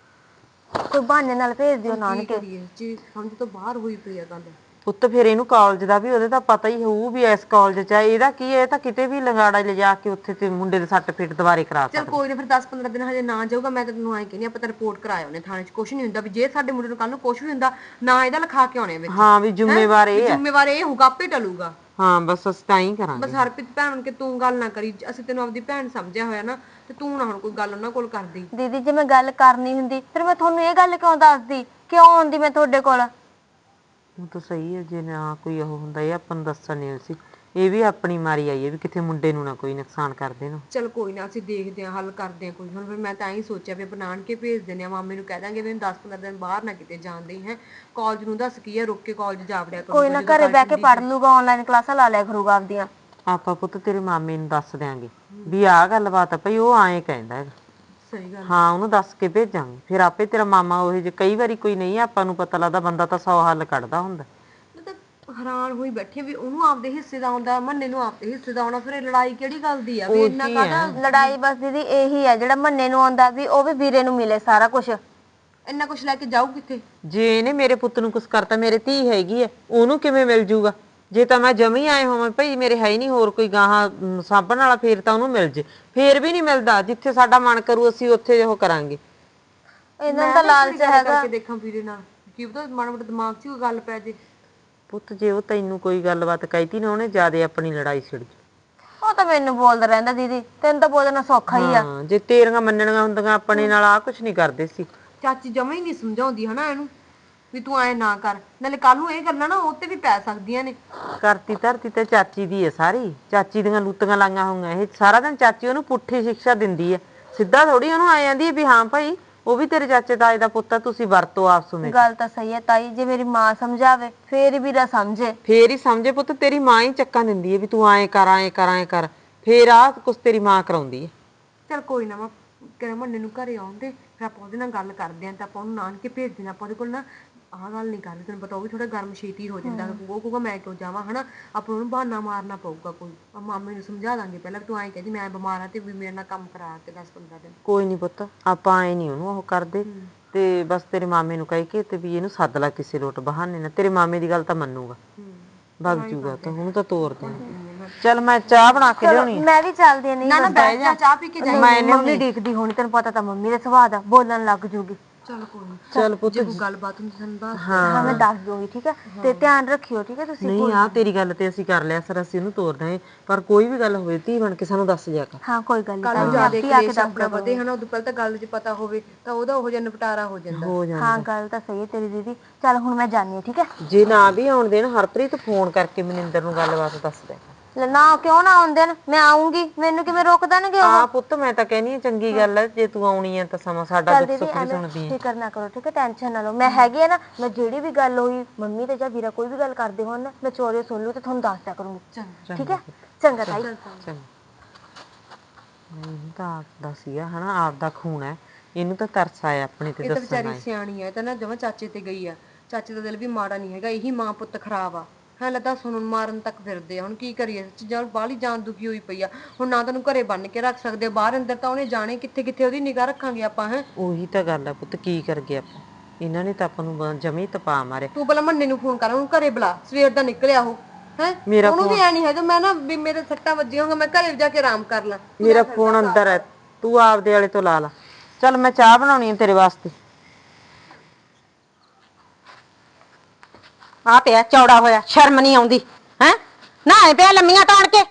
S4: ਕੋਈ ਬਹਾਨੇ ਨਾਲ ਭੇਜ ਦਿਓ
S2: ਕੀ
S4: ਨਾਨਕੇ।
S2: ਕਰੀਏ ਜੀ, ਸਮਝ ਤੋਂ ਬਾਹਰ ਹੋਈ ਪਈ ਆ ਗੱਲ।
S1: ਪੁੱਤ ਫਿਰ ਇਹਨੂੰ ਕਾਲਜ ਦਾ ਵੀ ਉਹਦੇ ਤਾਂ ਪਤਾ ਹੀ ਹੋਊ ਵੀ ਇਸ ਕਾਲਜ 'ਚ ਆ। ਇਹਦਾ ਕੀ ਹੈ, ਇਹ ਤਾਂ ਕਿਤੇ ਵੀ ਲੰਗਾੜਾ ਲਿਜਾ ਕੇ ਉੱਥੇ ਤੇ ਮੁੰਡੇ ਦੇ ਸੱਟ ਫੇਟ ਦੁਬਾਰੇ ਕਰਾ
S2: ਚਲ
S1: ਸਕਦਾ।
S2: ਕੋਈ ਨਾ ਫਿਰ 10-15 ਦਿਨ ਹਜੇ ਨਾ ਜਾਊਗਾ। ਮੈਂ ਤਾਂ ਤੈਨੂੰ ਐਂ ਕਹਿੰਦੀ ਆਪਾਂ ਤਾਂ ਰਿਪੋਰਟ ਕਰਾਇਆ ਉਹਨੇ ਥਾਣੇ 'ਚ। ਕੁਛ ਨਹੀਂ ਹੁੰਦਾ ਵੀ ਜੇ ਸਾਡੇ ਮੁੰਡੇ ਨੂੰ ਕੱਲ ਨੂੰ ਕੁਛ ਵੀ ਹੁੰਦਾ ਨਾ ਇਹਦਾ ਲਿਖਾ ਕੇ ਆਉਣੇ ਵਿੱਚ।
S1: ਹਾਂ ਵੀ ਜ਼ਿੰਮੇਵਾਰ ਇਹ ਹੈ।
S2: ਜ਼ਿੰਮੇਵਾਰ ਇਹ ਹੋਊਗਾ, ਆਪੇ ਟਲੂਗਾ।
S1: ਹਾਂ ਬਸ ਅਸੀਂ ਤਾਂ ਹੀ ਕਰਾਂਗੇ।
S2: ਬਸ ਹਰਪ੍ਰੀਤ ਭੈਣ ਕਿ ਤੂੰ ਗੱਲ ਨਾ ਕਰੀ, ਅਸੀਂ ਤੈਨੂੰ ਆਪਦੀ ਭੈਣ ਸਮਝਿਆ ਹੋਇਆ ਨਾ, ਤੇ ਤੂੰ ਨਾ ਹੁਣ ਕੋਈ ਗੱਲ ਉਹਨਾਂ ਕੋਲ ਕਰਦੀ।
S4: ਦੀਦੀ ਜੇ ਮੈਂ ਗੱਲ ਕਰਨੀ ਹੁੰਦੀ ਫਿਰ ਮੈਂ ਤੁਹਾਨੂੰ ਇਹ ਗੱਲ ਕਿਉਂ ਦੱਸਦੀ, ਕਿਉਂ ਆਉਂਦੀ ਮੈਂ ਤੁਹਾਡੇ ਕੋਲ?
S1: ਉਹ ਤਾਂ ਸਹੀ ਹੈ, ਜੇ ਨਾ ਕੋਈ ਉਹ ਹੁੰਦਾ ਇਹ ਆਪਾਂ ਨੂੰ ਦੱਸਣ ਨਹੀਂ ਸੀ। ਇਹ ਵੀ ਆਪਣੀ ਮਾਰੀ ਆਈ ਹੈ ਵੀ ਕਿਤੇ ਮੁੰਡੇ ਨੂੰ ਨਾ ਕੋਈ ਨੁਕਸਾਨ ਕਰ ਦੇਣ।
S2: ਚਲ ਕੋਈ ਨਾ ਅਸੀਂ ਦੇਖਦੇ ਹਾਂ, ਹੱਲ ਕਰਦੇ ਹਾਂ ਕੋਈ। ਹੁਣ ਫਿਰ ਮੈਂ ਤਾਂ ਹੀ ਸੋਚਿਆ ਵੀ ਬਣਾਣ ਕੇ ਭੇਜ ਦਿੰਦੇ ਆ, ਮਾਮੇ ਨੂੰ ਕਹਿ ਦਾਂਗੇ ਵੀ 10-15 ਦਿਨ ਬਾਹਰ ਨਾ ਕਿਤੇ ਜਾਂਦੇ ਹੈ। ਕਾਲਜ ਨੂੰ ਦੱਸ ਕੀ ਹੈ, ਰੁਕ ਕੇ ਕਾਲਜ ਜਾ ਵੜਿਆ ਕਰੂਗਾ।
S4: ਕੋਈ ਨਾ ਘਰੇ ਬਹਿ ਕੇ ਪੜ ਲੂਗਾ, ਆਨਲਾਈਨ ਕਲਾਸਾਂ ਲਾ ਲਿਆ ਕਰੂਗਾ ਆਪਦੀਆਂ।
S1: ਆਪਾਂ ਪੁੱਤ ਤੇਰੇ ਮਾਮੇ ਨੂੰ ਦੱਸ ਦਿਆਂਗੇ ਵੀ ਆਹ ਗੱਲਬਾਤ ਆ ਭਈ, ਉਹ ਐਂ ਕਹਿੰਦਾ ਹੈਗਾ।
S2: ਸਹੀ ਗੱਲ।
S1: ਹਾਂ ਉਹਨੂੰ ਦੱਸ ਕੇ ਭੇਜਾਂਗੇ, ਫਿਰ ਆਪੇ ਤੇਰਾ ਮਾਮਾ ਉਹ ਜੇ ਕਈ ਵਾਰੀ ਕੋਈ ਨਹੀਂ ਆਪਾਂ ਨੂੰ ਪਤਾ ਲੱਗਦਾ, ਬੰਦਾ ਤਾਂ 100 ਹੱਲ ਕੱਢਦਾ ਹੁੰਦਾ।
S2: ਮੈਂ ਤਾਂ ਹੈਰਾਨ ਹੋਈ ਬੈਠੀ ਵੀ ਉਹਨੂੰ ਆਪਦੇ ਹਿੱਸੇ ਦਾ ਆਉਂਦਾ, ਮੰਨੇ ਨੂੰ ਆਪਦੇ ਹਿੱਸੇ ਦਾ ਆਉਣਾ। ਫਿਰ ਇਹ ਲੜਾਈ ਕਿਹੜੀ ਗੱਲ ਦੀ ਆ ਵੀ ਇੰਨਾ ਕਾਹਦਾ?
S4: ਲੜਾਈ ਬਸ ਦੀਦੀ ਇਹੀ ਹੈ, ਜਿਹੜਾ ਮੰਨੇ ਨੂੰ ਆਉਂਦਾ ਵੀ ਉਹ ਵੀ ਵੀਰੇ ਨੂੰ ਮਿਲੇ ਸਾਰਾ ਕੁਝ।
S2: ਇੰਨਾ ਕੁਛ ਲੈ ਕੇ ਜਾਊ ਕਿੱਥੇ?
S1: ਜੇ ਇਹਨੇ ਮੇਰੇ ਪੁੱਤ ਨੂੰ ਕੁਛ ਕਰਤਾ, ਮੇਰੇ ਧੀ ਹੈਗੀ ਐ, ਉਹਨੂੰ ਕਿਵੇਂ ਮਿਲ ਜੂਗਾ? ਜੇ ਤਾਂ ਮੈਂ ਜਮੀ ਆਏ ਹੋਵਾਂ ਭਈ ਮੇਰੇ ਹੈ ਹੀ ਨਹੀਂ ਹੋਰ ਕੋਈ ਗਾਹਾਂ ਸਾਂਭਣ ਵਾਲਾ, ਫੇਰ ਤਾਂ ਉਹਨੂੰ ਮਿਲ ਜੇ। ਫੇਰ ਵੀ ਨਹੀਂ ਮਿਲਦਾ, ਜਿੱਥੇ ਸਾਡਾ ਮਨ ਕਰੂ ਅਸੀਂ ਉੱਥੇ ਉਹ ਕਰਾਂਗੇ।
S4: ਇਹਨਾਂ ਦਾ ਲਾਲਚ ਹੈਗਾ।
S2: ਕਰਕੇ ਦੇਖਾਂ ਵੀਰੇ ਨਾਲ, ਕੀ ਪਤਾ ਮਾੜਾ ਮੋਟਾ ਦਿਮਾਗ 'ਚ ਕੋਈ ਗੱਲ ਪੈ ਜੇ।
S1: ਪੁੱਤ ਜੇ ਉਹ ਤੈਨੂੰ ਕੋਈ ਗੱਲਬਾਤ ਕਹਿਤੀ ਨਾ, ਉਹਨੇ ਜਿਆਦੇ ਆਪਣੀ ਲੜਾਈ ਛਿੜ ਜੂ।
S4: ਉਹ ਤਾਂ ਮੈਨੂੰ ਬੋਲਦਾ ਰਹਿੰਦਾ ਦੀਦੀ, ਤੈਨੂੰ ਤਾਂ ਬੋਲਣਾ ਸੌਖਾ ਹੀ ਆ।
S1: ਹਾਂ ਜੇ ਤੇਰੀਆਂ ਮੰਨਣੀਆਂ ਹੁੰਦੀਆਂ ਆਪਣੇ ਨਾਲ ਆ ਕੁਛ ਨਹੀਂ ਕਰਦੇ ਸੀ।
S2: ਚਾਚੀ ਜਮਾ ਹੀ ਨਹੀਂ ਸਮਝਾਉਂਦੀ ਹਨਾ ਇਹਨੂੰ ਵੀ ਤੂੰ ਐ ਨਾ ਕਰ, ਨਾਲੇ ਕੱਲ ਨੂੰ ਇਹ ਗੱਲਾਂ ਨਾ ਉਹ ਤੇ ਵੀ ਪੈ ਸਕਦੀਆਂ ਨੇ।
S1: ਕਰਤੀ ਧਰਤੀ ਤੇ ਚਾਚੀ ਦੀ ਹੈ ਸਾਰੀ, ਚਾਚੀ ਦੀਆਂ ਲੂਤੀਆਂ ਲਾਈਆਂ ਹੋਈਆਂ ਇਹ ਸਾਰਾ ਦਿਨ। ਚਾਚੀ ਉਹਨੂੰ ਪੁੱਠੀ ਸਿੱਖਿਆ ਦਿੰਦੀ ਹੈ, ਸਿੱਧਾ ਥੋੜੀ ਉਹਨੂੰ ਆ ਜਾਂਦੀ ਹੈ ਵੀ ਹਾਂ ਭਾਈ ਉਹ ਵੀ ਤੇਰੇ ਚਾਚੇ ਤਾਏ ਦਾ ਪੁੱਤ ਆ, ਤੁਸੀਂ ਵਰਤੋ ਆਪਸ ਵਿੱਚ।
S4: ਗੱਲ ਤਾਂ ਸਹੀ ਹੈ ਤਾਈ, ਜੇ ਮੇਰੀ ਮਾਂ ਸਮਝਾਵੇ ਫੇਰ ਵੀਰਾ ਸਮਝੇ।
S1: ਫੇਰ ਹੀ ਸਮਝੇ ਪੁੱਤ, ਤੇਰੀ ਮਾਂ ਹੀ ਚੱਕਾਂ ਦਿੰਦੀ ਹੈ ਵੀ ਤੂੰ ਐਂ ਕਰ ਐਂ ਕਰ ਐਂ ਕਰ, ਫੇਰ ਆਹ ਕੁਛ ਤੇਰੀ ਮਾਂ ਕਰਾਉਂਦੀ ਹੈ।
S2: ਚਲ ਕੋਈ ਨਾ, ਮੈਂ ਕਹਿੰਦਾ ਮੰਨੇ ਨੂੰ ਘਰੇ ਆਉਂਦੇ ਫਿਰ ਆਪਾਂ ਉਹਦੇ ਨਾਲ ਗੱਲ ਕਰਦੇ ਆਂ, ਤਾਂ ਆਪਾਂ ਉਹਨੂੰ ਨਾਨਕੇ ਭੇਜ ਦੇਣਾ। ਆਪਾਂ ਉਹਦੇ ਕੋਲ ਨਾ ਆਹ ਗੱਲ ਨਹੀਂ ਕਰਨੀ, ਤੈਨੂੰ ਪਤਾ ਉਹ ਵੀ ਥੋੜਾ ਗਰਮ ਛੇਤੀ ਹੋ ਜਾਂਦਾ। ਉਹ ਕਹੂਗਾ ਮੈਂ ਕਿਉਂ ਜਾਵਾਂ ਹਨਾ, ਆਪਾਂ ਉਹਨੂੰ ਬਹਾਨਾ ਮਾਰਨਾ ਪਊਗਾ ਕੋਈ। ਮਾਮੇ ਨੂੰ ਸਮਝਾ ਦਾਂਗੇ ਪਹਿਲਾਂ, ਤੂੰ ਐਂ ਕਹਿੰਦੀ ਮੈਂ ਬਿਮਾਰ ਆ ਤੇ ਵੀ ਮੇਰੇ ਨਾਲ ਕੰਮ ਕਰਾ ਕੇ 10-15 ਦਿਨ।
S1: ਕੋਈ ਨਹੀਂ ਪੁੱਤ, ਆਪਾਂ ਐ ਨਹੀਂ ਉਹਨੂੰ ਉਹ ਕਰਦੇ, ਤੇ ਬਸ ਤੇਰੇ ਮਾਮੇ ਨੂੰ ਕਹਿ ਕੇ ਤੇ ਵੀ ਇਹਨੂੰ ਸੱਦ ਲੈ ਕਿਸੇ ਲੋਟ ਬਹਾਨੇ ਨਾਲ। ਤੇਰੇ ਮਾਮੇ ਦੀ ਗੱਲ ਤਾਂ ਮੰਨੂਗਾ, ਵਗ ਜੂਗਾ ਤਾਂ ਉਹਨੂੰ ਤਾਂ ਤੋਰ ਦੇ। ਚੱਲ ਮੈਂ ਚਾਹ ਬਣਾ ਕੇ ਲਿਆਉਣੀ।
S4: ਮੈਂ ਵੀ ਚੱਲਦੀ ਨਹੀਂ।
S2: ਨਾ ਬੈਠ ਜਾ, ਚਾਹ ਪੀ ਕੇ ਜਾ।
S4: ਮੰਮੀ ਦੇਖਦੀ ਹੋਣੀ, ਤੈਨੂੰ ਪਤਾ ਤਾਂ ਮੰਮੀ ਦਾ ਸੁਭਾਅ ਦਾ, ਬੋਲਣ ਲੱਗ ਜੂਗੀ।
S2: ਚਲ ਕੋਈ ਨੀ,
S1: ਚੱਲ ਪੁੱਤ
S2: ਜੇ ਕੋਈ ਗੱਲਬਾਤ ਹੁੰਦੀ ਸਾਨੂੰ ਦੱਸ।
S4: ਹਾਂ ਮੈਂ ਦੱਸ ਦੂੰਗੀ, ਠੀਕ ਹੈ? ਤੇ ਧਿਆਨ ਰੱਖਿਓ, ਠੀਕ ਹੈ ਤੁਸੀਂ?
S1: ਨਹੀਂ ਆ ਤੇਰੀ ਗੱਲ ਤੇ ਅਸੀਂ ਕਰ ਲਿਆ ਸਰ, ਅਸੀਂ ਉਹਨੂੰ ਤੋਰ ਦਾਂਗੇ, ਪਰ ਕੋਈ ਵੀ ਗੱਲ ਹੋਵੇ ਧੀ ਬਣ ਕੇ ਸਾਨੂੰ ਦੱਸ ਜਾ ਕਰ।
S4: ਹਾਂ ਕੋਈ ਗੱਲ
S2: ਕੱਲ ਨੂੰ
S4: ਨਹੀਂ,
S2: ਜਿਆਦਾ ਕਲੇਸ਼ ਆਪਣਾ ਵਧੇ ਹਨਾ, ਉਦੋਂ ਪਹਿਲਾਂ ਤਾਂ ਗੱਲ 'ਚ ਪਤਾ ਹੋਵੇ ਤਾਂ ਉਹਦਾ ਉਹ ਜਿਹਾ ਨਿਪਟਾਰਾ ਹੋ ਜਾਂਦਾ।
S1: ਹੋ ਜਾਂਦਾ।
S4: ਹਾਂ ਗੱਲ ਤਾਂ ਸਹੀ ਹੈ ਤੇਰੀ ਦੀਦੀ। ਚੱਲ ਹੁਣ ਮੈਂ ਜਾਣੀ ਹਾਂ, ਠੀਕ ਹੈ?
S1: ਜੇ ਨਾ ਵੀ ਆਉਣ ਦੇਣ ਹਰਪ੍ਰੀਤ, ਫੋਨ ਕਰਕੇ ਮਨਿੰਦਰ ਨੂੰ ਗੱਲਬਾਤ ਦੱਸ ਦੇ।
S4: ਨਾ ਕਿਉਂ ਨਾ ਆਉਂਦੇ ਨੇ, ਮੈਂ ਆਉਂਗੀ, ਮੈਨੂੰ ਕਿਵੇਂ ਰੋਕ ਦੇਣਗੇ ਉਹ?
S1: ਪੁੱਤ ਮੈਂ ਤਾਂ ਕਹਿੰਦੀ ਆ ਚੰਗੀ ਗੱਲ ਹੈ ਜੇ ਤੂੰ ਆਉਣੀ ਹੈ ਤਾਂ ਸਮਾਂ ਸਾਡਾ
S4: ਚੱਲ
S1: ਦੁੱਖ
S4: ਦੀਦੀ
S1: ਸੁੱਖ ਵੀ
S4: ਐਵੇਂ
S1: ਸੁਣਦੀ ਹੈ।
S4: ਫਿਕਰ ਨਾ ਕਰੋ, ਠੀਕ ਹੈ, ਟੈਨਸ਼ਨ ਨਾ ਲਓ, ਮੈਂ ਹੈਗੀ ਆ ਨਾ। ਮੈਂ ਜਿਹੜੀ ਵੀ ਗੱਲ ਹੋਈ ਮੰਮੀ ਤੇ ਜਾਂ ਵੀਰਾ ਕੋਈ ਵੀ ਗੱਲ ਕਰਦੇ ਹੋਣ ਨਾ, ਮੈਂ ਚੋਰੇ ਸੁਣ ਲੂ ਤੇ ਤੁਹਾਨੂੰ ਦੱਸ ਦਿਆ ਕਰੂੰਗੀ, ਠੀਕ ਹੈ? ਚੰਗਾ ਤਾਈ।
S1: ਚੰਗਾ ਇਹਨੂੰ ਤਾਂ ਆਪਦਾ ਸੀਗਾ ਹਨਾ, ਆਪਦਾ ਖੂਨ ਹੈ, ਇਹਨੂੰ ਤਾਂ ਤਰਸ ਆਇਆ ਆਪਣੇ ਤੇ
S2: ਇਹ ਤਾਂ
S1: ਦੱਸਣ
S2: ਵਿਚਾਰੀ
S1: ਆਏ।
S2: ਸਿਆਣੀ ਹੈ ਤਾਂ ਨਾ ਜਮਾ ਚਾਚੇ ਤੇ ਗਈ ਆ। ਚਾਚੇ ਦਾ ਦਿਲ ਵੀ ਮਾੜਾ ਨਹੀਂ ਹੈਗਾ, ਇਹੀ ਮਾਂ ਪੁੱਤ ਖਰਾਬ ਆ। ਹਾਂ ਲੱਦਾ ਸੁਣਨ ਮਾਰਨ ਤੱਕ ਫਿਰਦੇ ਆ। ਹੁਣ ਕੀ ਕਰੀਏ, ਚੀਜ਼ਾਂ ਬਾਹਲੀ ਜਾਨ ਦੁਖੀ ਹੋਈ ਪਈ ਆ। ਹੁਣ ਨਾ ਤੈਨੂੰ ਘਰੇ ਬੰਨ ਕੇ ਰੱਖ ਸਕਦੇ, ਬਾਹਰ ਅੰਦਰ ਤਾਂ ਉਹਨੇ ਜਾਣੇ ਕਿੱਥੇ ਕਿੱਥੇ, ਉਹਦੀ ਨਿਗਾਹ ਰੱਖਾਂਗੇ ਆਪਾਂ। ਹੈ
S1: ਉਹੀ ਤਾਂ ਗੱਲ ਹੈ ਪੁੱਤ, ਕੀ ਕਰ ਗਏ ਆਪਾਂ, ਇਹਨਾਂ ਨੇ ਤਾਂ ਆਪਾਂ ਨੂੰ ਜਮੀ ਤਪਾ ਮਾਰਿਆ।
S2: ਤੂੰ ਪਹਿਲਾਂ ਮੰਨੇ ਨੂੰ ਫੋਨ ਕਰ, ਉਹਨੂੰ ਘਰੇ ਬੁਲਾ, ਸਵੇਰ ਦਾ ਨਿਕਲਿਆ ਉਹ। ਹੈ
S1: ਮੇਰਾ
S2: ਉਹਨੂੰ ਵੀ ਐ ਨਹੀਂ ਹੈਗਾ ਮੈਂ ਨਾ ਵੀ ਮੇਰੇ ਸੱਟਾਂ ਵੱਜੀਆਂ ਹੋਣਗੀਆਂ, ਮੈਂ ਘਰੇ ਜਾ ਕੇ ਆਰਾਮ ਕਰ ਲਾਂ।
S1: ਮੇਰਾ ਫੋਨ ਅੰਦਰ ਹੈ, ਤੂੰ ਆਪਦੇ ਵਾਲੇ ਤੋਂ ਲਾ ਲਾ। ਚੱਲ ਮੈਂ ਚਾਹ ਬਣਾਉਣੀ ਹੈ ਤੇਰੇ ਵਾਸਤੇ।
S6: ਆ ਪਿਆ ਚੌੜਾ ਹੋਇਆ, ਸ਼ਰਮ ਨਹੀਂ ਆਉਂਦੀ ਹੈ ਨਾ? ਐ ਪਿਆ ਲੰਮੀਆਂ ਤਾਣ ਕੇ।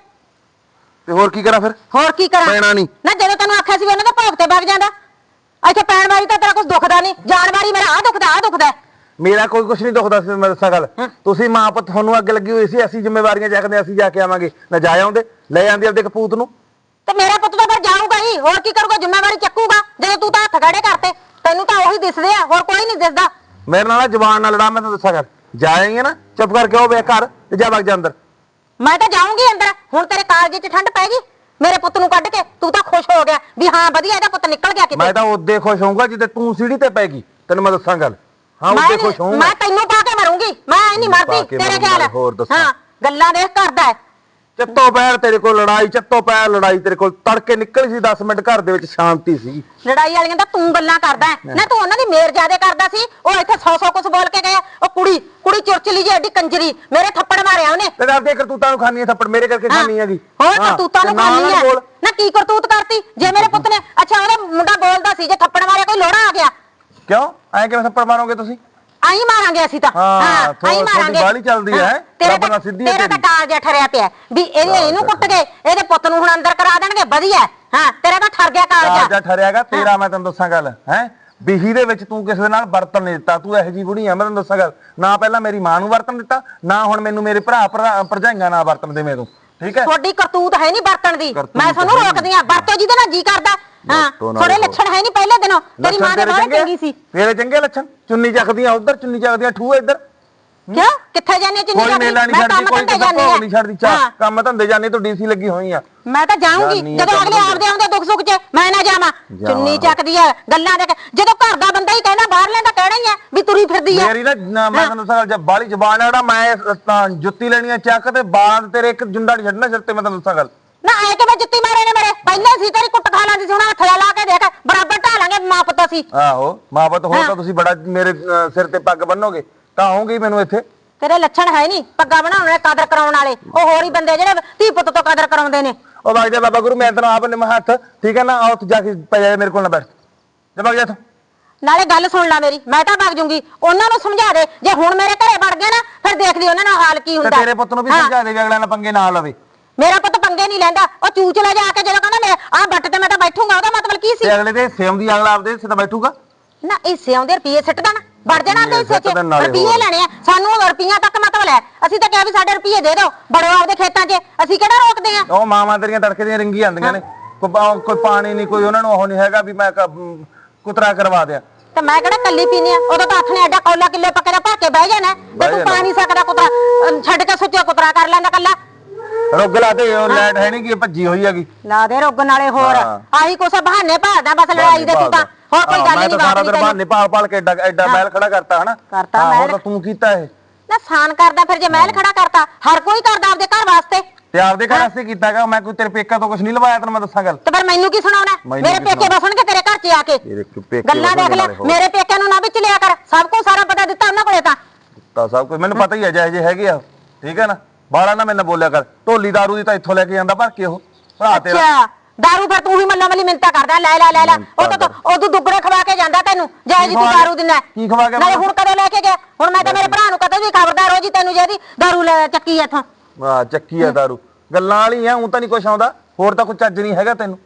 S3: ਤੇ ਹੋਰ ਕੀ ਕਰਾਂ ਫਿਰ?
S6: ਹੋਰ ਕੀ ਕਰਾਂ
S3: ਪੈਣਾ ਨਹੀਂ
S6: ਨਾ, ਜਦੋਂ ਤੈਨੂੰ ਆਖਿਆ ਸੀ ਵੀ ਉਹਨਾਂ ਦਾ ਭੋਗ ਤੇ ਵਗ ਜਾਂਦਾ, ਇੱਥੇ ਪੈਣ ਵਾਰੀ ਤਾਂ ਤੇਰਾ ਕੁਝ ਦੁਖਦਾ ਨਹੀਂ, ਜਾਣ ਵਾਰੀ ਮੇਰਾ ਆ ਦੁਖਦਾ।
S3: ਮੇਰਾ ਕੋਈ ਕੁਝ ਨਹੀਂ ਦੁਖਦਾ ਸੀ। ਮੈਂ ਦੱਸਾਂ ਗੱਲ, ਤੁਸੀਂ ਮਾਂ ਪੁੱਤ ਤੁਹਾਨੂੰ ਅੱਗ ਲੱਗੀ ਹੋਈ ਸੀ, ਅਸੀਂ ਜ਼ਿੰਮੇਵਾਰੀਆਂ ਚੱਕਦੇ, ਅਸੀਂ ਜਾ ਕੇ ਆਵਾਂਗੇ ਨਾ। ਜਾ ਆਉਂਦੇ, ਲੈ ਜਾਂਦੇ ਆਪਦੇ ਕਪੂਤ ਨੂੰ।
S6: ਤੇ ਮੇਰਾ ਪੁੱਤ ਤਾਂ ਫਿਰ ਜਾਊਗਾ ਹੀ, ਹੋਰ ਕੀ ਕਰੂਗਾ, ਜ਼ਿੰਮੇਵਾਰੀ ਚੱਕੂਗਾ। ਜਦੋਂ ਤੂੰ ਤਾਂ ਹੱਥ ਖੜੇ ਕਰਤੇ, ਤੈਨੂੰ ਤਾਂ ਉਹੀ ਦਿਸਦੇ ਆ, ਹੋਰ ਕੋਈ ਨਹੀਂ ਦਿਸਦਾ।
S3: ਮੇਰੇ ਨਾਲ ਜ਼ਬਾਨ ਨਾਲ ਲੜਾ, ਮੈਂ ਤੁਹਾਨੂੰ ਦੱਸਾਂ ਗੱਲ। ਜਾਏਂਗੇ ਨਾ ਚੁੱਪ ਕਰਕੇ ਉਹ ਵੇ ਘਰ ਤੇ ਜਾ ਵਗ ਜਾ ਅੰਦਰ।
S6: ਮੈਂ ਤਾਂ ਜਾਊਂਗੀ ਅੰਦਰ। ਹੁਣ ਤੇਰੇ ਕਾਲਜੇ 'ਚ ਠੰਡ ਪੈ ਗਈ ਮੇਰੇ ਪੁੱਤ ਨੂੰ ਕੱਢ ਕੇ, ਤੂੰ ਤਾਂ ਖੁਸ਼ ਹੋ ਗਿਆ ਵੀ ਹਾਂ ਵਧੀਆ ਇਹਦਾ ਪੁੱਤ ਨਿਕਲ ਗਿਆ ਕਿਤੇ।
S3: ਮੈਂ ਤਾਂ ਉਦੋਂ ਖੁਸ਼ ਹੋਊਂਗਾ ਜਿੱਦੇ ਤੂੰ ਸੀੜੀ ਤੇ ਪੈਗੀ, ਤੈਨੂੰ ਮੈਂ ਦੱਸਾਂ ਗੱਲ। ਹਾਂ ਉਦੋਂ ਖੁਸ਼ ਹੋਊਂਗਾ।
S6: ਮੈਂ ਤੈਨੂੰ ਪਾ ਕੇ ਮਰੂੰਗੀ, ਮੈਂ ਨਹੀਂ ਮਰਦੀ ਤੇਰੇ ਖਿਆਲ।
S3: ਹੋਰ ਦੱਸਾਂ।
S6: ਹਾਂ ਗੱਲਾਂ ਦੇਖ ਕਰਦਾ ਹੈ।
S3: ਚੱਤੋ ਪੈਰ ਤੇਰੇ ਕੋਲ ਲੜਾਈ, ਚੱਤੋ ਪੈਰ ਲੜਾਈ ਤੇਰੇ ਕੋਲ। ਤੜਕੇ ਨਿਕਲੀ ਸੀ 10 ਮਿੰਟ, ਘਰ ਦੇ ਵਿੱਚ ਸ਼ਾਂਤੀ ਸੀ।
S6: ਲੜਾਈ ਵਾਲੀਆਂ ਤਾਂ ਤੂੰ ਗੱਲਾਂ ਕਰਦਾ ਹੈ ਨਾ, ਤੂੰ ਉਹਨਾਂ ਦੀ ਮੇਰ ਜ਼ਿਆਦੇ ਕਰਦਾ ਸੀ। ਉਹ ਇੱਥੇ 100 ਕੁਝ ਬੋਲ ਕੇ ਗਏ। ਉਹ ਕੁੜੀ ਚੁਰਚਲੀ ਜੀ ਐਡੀ ਕੰਜਰੀ, ਮੇਰੇ ਥੱਪੜ ਮਾਰਿਆ ਉਹਨੇ।
S3: ਤੇ ਆਪਦੇ ਕਰਤੂਤਾਂ ਨੂੰ ਖਾਨੀ ਹੈ ਥੱਪੜ, ਮੇਰੇ ਕਰਕੇ ਖਾਨੀ ਹੈਗੀ।
S6: ਹੋਰ ਕਰਤੂਤਾਂ ਨੂੰ ਖਾਨੀ ਹੈ ਨਾ? ਕੀ ਕਰਤੂਤ ਕਰਤੀ ਜੇ ਮੇਰੇ ਪੁੱਤ ਨੇ? ਅੱਛਾ ਉਹਦਾ ਮੁੰਡਾ ਬੋਲਦਾ ਸੀ, ਜੇ ਥੱਪੜ ਮਾਰਿਆ ਕੋਈ ਲੋੜਾ ਆ ਗਿਆ?
S3: ਕਿਉਂ ਐ ਕਿਵੇਂ ਥੱਪੜ ਮਾਰੋਗੇ ਤੁਸੀਂ?
S6: ਆਈ ਮਾਰਾਂਗੇ ਅਸੀਂ ਤਾਂ।
S3: ਹਾਂ,
S6: ਆਈ ਮਾਰਾਂਗੇ।
S3: ਬਾਲੀ ਚੱਲਦੀ ਹੈ, ਰੱਬ ਨਾਲ ਸਿੱਧੀ ਹੈ
S6: ਤੇਰਾ ਤਾਂ
S3: ਤੇਰੀ।
S6: ਕਾਲਜਾ ਠਰਿਆ ਪਿਆ ਵੀ ਇਹਨੂੰ ਕੁੱਟ ਗਏ, ਇਹਦੇ ਪੁੱਤ ਨੂੰ ਹੁਣ ਅੰਦਰ ਕਰਾ ਦੇਣਗੇ, ਵਧੀਆ। ਹਾਂ ਤੇਰਾ ਤਾਂ ਠਰ ਗਿਆ ਕਾਲਜਾ।
S3: ਕਾਲਜਾ ਠਰਿਆਗਾ ਤੇਰਾ। ਮੈਂ ਤੈਨੂੰ ਦੱਸਾਂ ਗੱਲ ਹੈ, ਬਿਹੀ ਦੇ ਵਿੱਚ ਤੂੰ ਕਿਸੇ ਦੇ ਨਾਲ ਵਰਤਨ ਨਹੀਂ ਦਿੱਤਾ। ਤੂੰ ਇਹੋ ਜਿਹੀ ਬੁੜੀ ਆ, ਮੈਂ ਤੈਨੂੰ ਦੱਸਾਂ ਗੱਲ। ਨਾ ਪਹਿਲਾਂ ਮੇਰੀ ਮਾਂ ਨੂੰ ਵਰਤਨ ਦਿੱਤਾ, ਨਾ ਹੁਣ ਮੈਨੂੰ ਮੇਰੇ ਭਰਾ ਭਰਜਾਈਆਂ ਨਾਲ ਵਰਤਨ ਦੇ ਮੈਨੂੰ, ਠੀਕ ਹੈ?
S6: ਤੁਹਾਡੀ ਕਰਤੂਤ ਹੈ ਨਹੀਂ ਵਰਤਣ ਦੀ, ਮੈਂ ਤੁਹਾਨੂੰ ਰੋਕਦੀ ਆ। ਵਰਤੋ ਜਿਹਦੇ ਨਾਲ ਜੀ ਕਰਦਾ। ਹਾਂ ਥੋੜੇ ਲੱਛਣ ਹੈ ਨਹੀਂ ਪਹਿਲੇ ਦਿਨੋਂ, ਤੇਰੀ ਮਾਂ ਦੇ ਬਾਹਰ ਚੰਗੀ ਸੀ।
S3: ਤੇਰੇ ਚੰਗੇ ਲੱਛਣ, ਚੁੰਨੀ ਚੱਕਦੀਆਂ ਉਧਰ, ਚੁੰਨੀ ਚੱਕਦੀਆਂ ਠੂਹ ਇੱਧਰ।
S6: ਕਿਉਂ ਕਿੱਥੇ ਜਾਣੇ ਚੁੰਨੀ
S3: ਕੋਈ ਮੇਲਾ ਨਹੀਂ ਛੱਡਦੀ, ਕੋਈ ਭੋਗ ਨਹੀਂ ਛੱਡਦੀ। ਚਾਹ ਕੰਮ ਧੰਦੇ ਜਾਣੇ ਤੂੰ ਡੀਸੀ ਲੱਗੀ ਹੋਈ ਆ।
S6: ਮੈਂ ਤਾਂ ਜਾਊਂਗੀ ਜਦੋਂ ਅਗਲੇ ਆਪਦੇ ਆਉਂਦੇ ਦੁੱਖ ਸੁੱਖ 'ਚ ਮੈਂ ਨਾ ਜਾਵਾਂ। ਚੁੰਨੀ ਚੱਕਦੀ ਆ ਗੱਲਾਂ ਦੇ, ਜਦੋਂ ਘਰ ਦਾ ਬੰਦਾ ਹੀ ਕਹਿੰਦਾ ਬਾਹਰਲੇ ਤਾਂ ਕਹਿਣਾ ਹੀ ਆ ਵੀ ਤੁਰੀ ਫਿਰਦੀ ਆ।
S3: ਮੇਰੀ ਨਾ ਮੈਂ ਤੈਨੂੰ ਦੱਸਾਂ, ਜਦ ਬਾਲੀ ਜ਼ਬਾਨ ਆ ਮੈਂ ਤਾਂ ਜੁੱਤੀ ਲੈਣੀ ਆ ਚੱਕ ਤੇ ਬਾਲਾਂ ਤੇ ਤੇਰੇ ਇੱਕ ਜੁੰਡਾ ਨਹੀਂ ਛੱਡਣਾ ਸਿਰ ਤੇ। ਮੈਂ ਤੈਨੂੰ ਦੱਸਾਂ ਗੱਲ।
S6: ਨਾ ਐ ਕਿਵੇਂ ਜੁੱਤੀ ਮਾਰੇ ਨੇ ਮੇਰੇ? ਪਹਿਲਾਂ ਸੀ ਤੇਰੀ ਕੁੱਟ ਖਾ ਲਾਂਦੀ ਸੀ, ਹੁਣ ਹੱਥ ਲਾ ਕੇ ਦੇਖ ਬਰਾਬਰ ਢਾ ਲਾਂਗੇ ਮਾਂ ਪੁੱਤ ਸੀ।
S3: ਆਹੋ ਮਾਂ ਪੁੱਤ ਹੋ ਤਾਂ ਤੁਸੀਂ ਬੜਾ ਮੇਰੇ ਸਿਰ ਤੇ ਪੱਗ ਬੰਨੋਗੇ ਤਾਂ ਆਉਂਗੀ ਮੈਨੂੰ ਇੱਥੇ।
S6: ਤੇਰੇ ਲੱਛਣ ਹੈ ਨਹੀਂ ਪੱਗਾਂ ਬਣਾਉਣ ਵਾਲੇ, ਕਦਰ ਕਰਾਉਣ ਵਾਲੇ। ਉਹ ਹੋਰ ਹੀ ਬੰਦੇ ਜਿਹੜੇ ਧੀ ਪੁੱਤ ਤੋਂ ਕਦਰ ਕਰਾਉਂਦੇ ਨੇ।
S3: ਉਹ ਵਗ ਜਾ ਬਾਬਾ ਗੁਰੂ, ਮੈਂ ਤੈਨੂੰ ਆਪ ਨਿਮ ਹੱਥ, ਠੀਕ ਹੈ ਨਾ? ਆ ਉੱਥੇ ਜਾ ਕੇ ਪੈ ਜਾ, ਮੇਰੇ ਕੋਲ ਨਾ ਬੈਠ ਜਾ, ਵਗ ਜਾ ਇੱਥੋਂ।
S6: ਨਾਲੇ ਗੱਲ ਸੁਣ ਲੈ ਮੇਰੀ, ਮੈਂ ਤਾਂ ਵਗ ਜੂੰਗੀ। ਉਹਨਾਂ ਨੂੰ ਸਮਝਾ ਦੇ, ਜੇ ਹੁਣ ਮੇਰੇ ਘਰੇ ਵੜ ਗਏ ਨਾ ਫਿਰ ਦੇਖ ਲਈ ਉਹਨਾਂ ਨਾਲ ਹਾਲ ਕੀ ਹੁੰਦਾ।
S3: ਤੇਰੇ ਪੁੱਤ ਨੂੰ ਵੀ ਸਮਝਾ ਦੇ ਵੀ ਅਗਲਾ ਨਾਲ ਪੰਗੇ ਨਾ ਲਵੇ।
S6: ਮੇਰਾ ਪੁੱਤ ਪੰਗੇ ਨਹੀਂ ਲੈਂਦਾ। ਉਹ ਚੂਚਲਾ ਜਾ ਕੇ ਜਦੋਂ ਕਹਿੰਦਾ ਮੈਂ ਬੱਟ ਤੇ ਮੈਂ ਤਾਂ ਬੈਠੂਗਾ, ਉਹਦਾ ਮਤਲਬ ਕੀ ਸੀ?
S3: ਤੇ ਅਗਲੇ ਦੇ ਸੇਮ ਦੀ ਅਗਲਾ ਆਪਦੇ ਹਿੱਸੇ ਤੇ ਬੈਠੂਗਾ
S6: ਨਾ। ਹਿੱਸੇ ਆਉਂਦੇ ਰੁਪਏ ਸਿੱਟ ਦੇਣਾ, ਵੜ ਜਾਣਾ ਉਹਦੇ ਹਿੱਸੇ 'ਚ। ਰੁਪਏ ਲੈਣੇ ਆ ਸਾਨੂੰ, ਰੁਪਈਆਂ ਤੱਕ ਮਤਲਬ ਲੈ। ਅਸੀਂ ਤਾਂ ਕਿਹਾ ਵੀ ਸਾਡੇ ਰੁਪਏ ਦੇ ਦਿਓ, ਬੜੋ ਆਪਦੇ ਖੇਤਾਂ 'ਚ, ਅਸੀਂ ਕਿਹੜਾ ਰੋਕਦੇ ਆ?
S3: ਉਹ ਮਾਵਾਂ ਤੇਰੀਆਂ ਤੜਕੇ ਦੀਆਂ ਰਿੰਗੀ ਆਉਂਦੀਆਂ ਨੇ, ਕੋਈ ਪਾਣੀ ਨਹੀਂ, ਕੋਈ ਉਹਨਾਂ ਨੂੰ ਉਹ ਨਹੀਂ ਹੈਗਾ ਵੀ ਮੈਂ ਕੁਤਰਾ ਕਰਵਾ ਦਿਆਂ।
S6: ਤੇ ਮੈਂ ਕਿਹੜਾ ਕੱਲੀ ਪੀਣੀ ਆ? ਉਦੋਂ ਤਾਂ ਹੱਥ ਨੇ ਐਡਾ ਕੌਲਾ ਕਿੱਲੇ ਪੱਕੇ ਦਾ ਭਰ ਕੇ ਬਹਿ ਜਾਣਾ ਤੇ ਤੂੰ ਪਾ ਨਹੀਂ ਸਕਦਾ ਕੁਤਰਾ, ਛੱਡ ਕੇ ਸੁੱਚਾ ਕੁਤਰਾ ਕਰ ਲੈਂਦਾ ਕੱਲਾ।
S3: ਰੁੱਗ ਲਾ ਦੇ, ਉਹ ਲਾਈਟ ਹੈ ਨਹੀਂ ਕਿ ਭੱਜੀ ਹੋਈ ਹੈਗੀ।
S6: ਲਾ ਦੇ ਰੁੱਗ ਨਾਲੇ ਹੋਰ ਆਹੀ ਕੁਛ ਬਹਾਨੇ ਭਾਲਦਾ ਬਸ ਲੜਾਈ ਦੇ। ਤੂੰ ਤਾਂ ਹੋਰ ਕੋਈ ਗੱਲ ਨਹੀਂ।
S3: ਸਾਰਾ ਦਿਨ ਬਹਾਨੇ ਭਾਲ ਕੇ ਐਡਾ ਮਹਿਲ ਖੜਾ ਕਰਤਾ ਹਨਾ?
S6: ਕਰਤਾ ਮਹਿਲ
S3: ਤਾਂ ਤੂੰ ਕੀਤਾ ਇਹ
S6: ਨਾ, ਸਾਨ ਕਰਦਾ ਫਿਰ ਜੇ ਮਹਿਲ ਖੜਾ ਕਰਤਾ। ਹਰ ਕੋਈ ਕਰਦਾ ਆਪਦੇ ਘਰ ਵਾਸਤੇ।
S3: ਤੇ ਆਪਦੇ ਘਰ ਵਾਸਤੇ ਕੀਤਾਗਾ। ਮੈਂ ਕੋਈ ਤੇਰੇ ਪੇਕਾ ਤੋਂ ਕੁਝ ਨਹੀਂ ਲਵਾਇਆ, ਤੈਨੂੰ ਮੈਂ ਦੱਸਾਂ ਗੱਲ।
S6: ਤੇ ਫਿਰ ਮੈਨੂੰ ਕੀ ਸੁਣਾਉਣਾ? ਮੇਰੇ ਪੇਕੇ ਬਸਣਗੇ ਤੇਰੇ ਘਰ 'ਚ ਆ ਕੇ। ਗੱਲਾਂ ਦੇਖ ਲੈ, ਮੇਰੇ ਪੇਕਿਆਂ ਨੂੰ ਨਾ ਵਿੱਚ ਲਿਆ ਕਰ। ਸਭ ਕੁਝ ਸਾਰਾ ਪਤਾ ਦਿੱਤਾ ਉਹਨਾਂ ਕੋਲੇ ਤਾਂ
S3: ਸਭ ਕੁਝ ਮੈਨੂੰ ਪਤਾ ਹੀ ਹੈ, ਜਿਹੇ ਹੈਗੇ ਆ, ਠੀਕ ਹੈ ਨਾ? ਬਾਲਾ ਨਾ ਮੈਨੂੰ ਬੋਲਿਆ ਕਰ। ਢੋਲੀ ਦਾਰੂ ਦੀ ਤਾਂ ਇੱਥੋਂ ਲੈ ਕੇ ਜਾਂਦਾ ਭਰ ਕੇ ਉਹ ਭਰਾ ਤੇਰਾ।
S6: ਅੱਛਾ ਦਾਰੂ ਫਿਰ ਤੂੰ ਹੀ ਮੱਲਾ ਮੱਲੀ ਮਿੰਤਾ ਕਰਦਾ, ਲੈ ਉਹ ਤਾਂ ਉਦੋਂ ਦੁੱਗਣੇ ਖਵਾ ਕੇ ਜਾਂਦਾ ਤੈਨੂੰ, ਜੇ ਜੀ ਤੂੰ ਦਾਰੂ ਦਿੰਦਾ।
S3: ਕੀ ਖਵਾ ਕੇ?
S6: ਨਾਲੇ ਹੁਣ ਕਦੋਂ ਲੈ ਕੇ ਗਿਆ? ਹੁਣ ਮੈਂ ਤਾਂ ਮੇਰੇ ਭਰਾ ਨੂੰ ਕਦੇ ਵੀ ਖਬਰਦਾਰ ਹੋ ਜੀ ਤੈਨੂੰ, ਜਿਹਦੀ ਦਾਰੂ ਲੈ ਚੱਕੀ ਇੱਥੋਂ।
S3: ਹਾਂ ਚੱਕੀ ਆ ਦਾਰੂ, ਗੱਲਾਂ ਵਾਲੀ ਆ। ਊਂ ਤਾਂ ਨਹੀਂ ਕੁਛ ਆਉਂਦਾ, ਹੋਰ ਤਾਂ ਕੋਈ ਚੱਜ ਨਹੀਂ ਹੈਗਾ ਤੈਨੂੰ।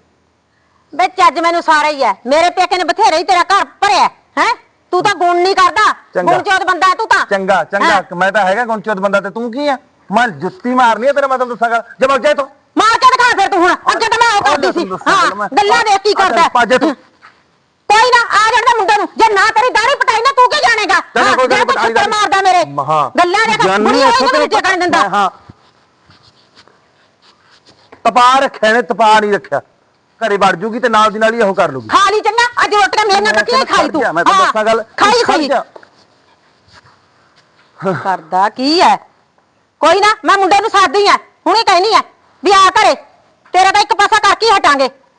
S6: ਬੇ ਚੱਜ ਮੈਨੂੰ ਸਾਰਾ ਹੀ ਹੈ। ਮੇਰੇ ਪੇਕੇ ਨੇ ਬਥੇਰੇ ਹੀ ਤੇਰਾ ਘਰ ਭਰਿਆ ਹੈ। ਤੂੰ ਤਾਂ ਗੁਣ ਨਹੀਂ ਕਰਦਾ, ਗੁਣਚੋਦ ਬੰਦਾ ਤੂੰ ਤਾਂ।
S3: ਚੰਗਾ ਮੈਂ ਤਾਂ ਹੈਗਾ ਗੁਣਚੋਦ ਬੰਦਾ, ਤੇ ਤੂੰ ਕੀ ਆ?
S7: ਮੈਂ ਜੁੱਤੀ ਮਾਰਨੀ ਹੈ ਤੇਰੇ, ਮੈਂ ਤੈਨੂੰ ਦੱਸਾਂਗਾ। ਜੇ ਵਗ ਜਾਏ ਤੂੰ
S6: ਮਾਰ ਕੇ ਦਿਖਾ ਫਿਰ ਤੂੰ ਹੁਣ, ਅੱਗੇ ਤਾਂ ਮੈਂ ਉਹ ਕਰਦੀ ਸੀ। ਹਾਂ ਗੱਲਾਂ ਦੇਖ ਕੀ ਕਰਦਾ।
S7: ਪਾਜੇ ਤੂੰ
S6: ਕੋਈ ਨਾ ਆ ਜਾਂਦਾ ਮੁੰਡੇ ਨੂੰ, ਜੇ ਨਾ ਤੇਰੀ ਦਾੜੀ ਪਟਾਈ ਨਾ ਤੂੰ ਕੀ ਜਾਣੇਗਾ?
S7: ਚੱਲ ਕੋਈ ਗੱਲ ਨੀ,
S6: ਪਟਾਈ ਮਾਰਦਾ ਮੇਰੇ ਗੱਲਾਂ ਦੇਖ, ਬੁੜੀ ਹੋਈ ਨੂੰ ਨੀਚੇ ਕਰਨ ਦਿੰਦਾ।
S7: ਹਾਂ ਤਪਾ ਰੱਖਿਆ ਨੇ, ਤਪਾ ਨਹੀਂ ਰੱਖਿਆ। ਘਰੇ ਵੜ ਜੂਗੀ ਤੇ ਨਾਲ ਦੀ ਨਾਲ ਹੀ ਉਹ ਕਰ ਲੂਗੀ।
S6: ਖਾ ਲਈ ਚੰਗਾ, ਅੱਜ ਰੋਟੀਆਂ ਮੇਰੀਆਂ ਕੱਟੀਆਂ ਖਾਈ ਤੂੰ।
S7: ਮੈਂ ਤਾਂ ਦੱਸਾਂ ਗੱਲ,
S6: ਖਾਈ ਸਹੀ। ਕਰਦਾ ਕੀ ਹੈ? ਕੋਈ ਨਾ ਮੈਂ ਮੁੰਡੇ ਨੂੰ ਸਾਦੀ ਆ, ਹੁਣੇ ਕਹਿਨੀ ਆ ਵੀ ਆ ਘਰੇ, ਤੇਰਾ ਤਾਂ ਇੱਕ ਪਾਸਾ ਕਰਕੇ ਹੀ ਹਟਾਂਗੇ।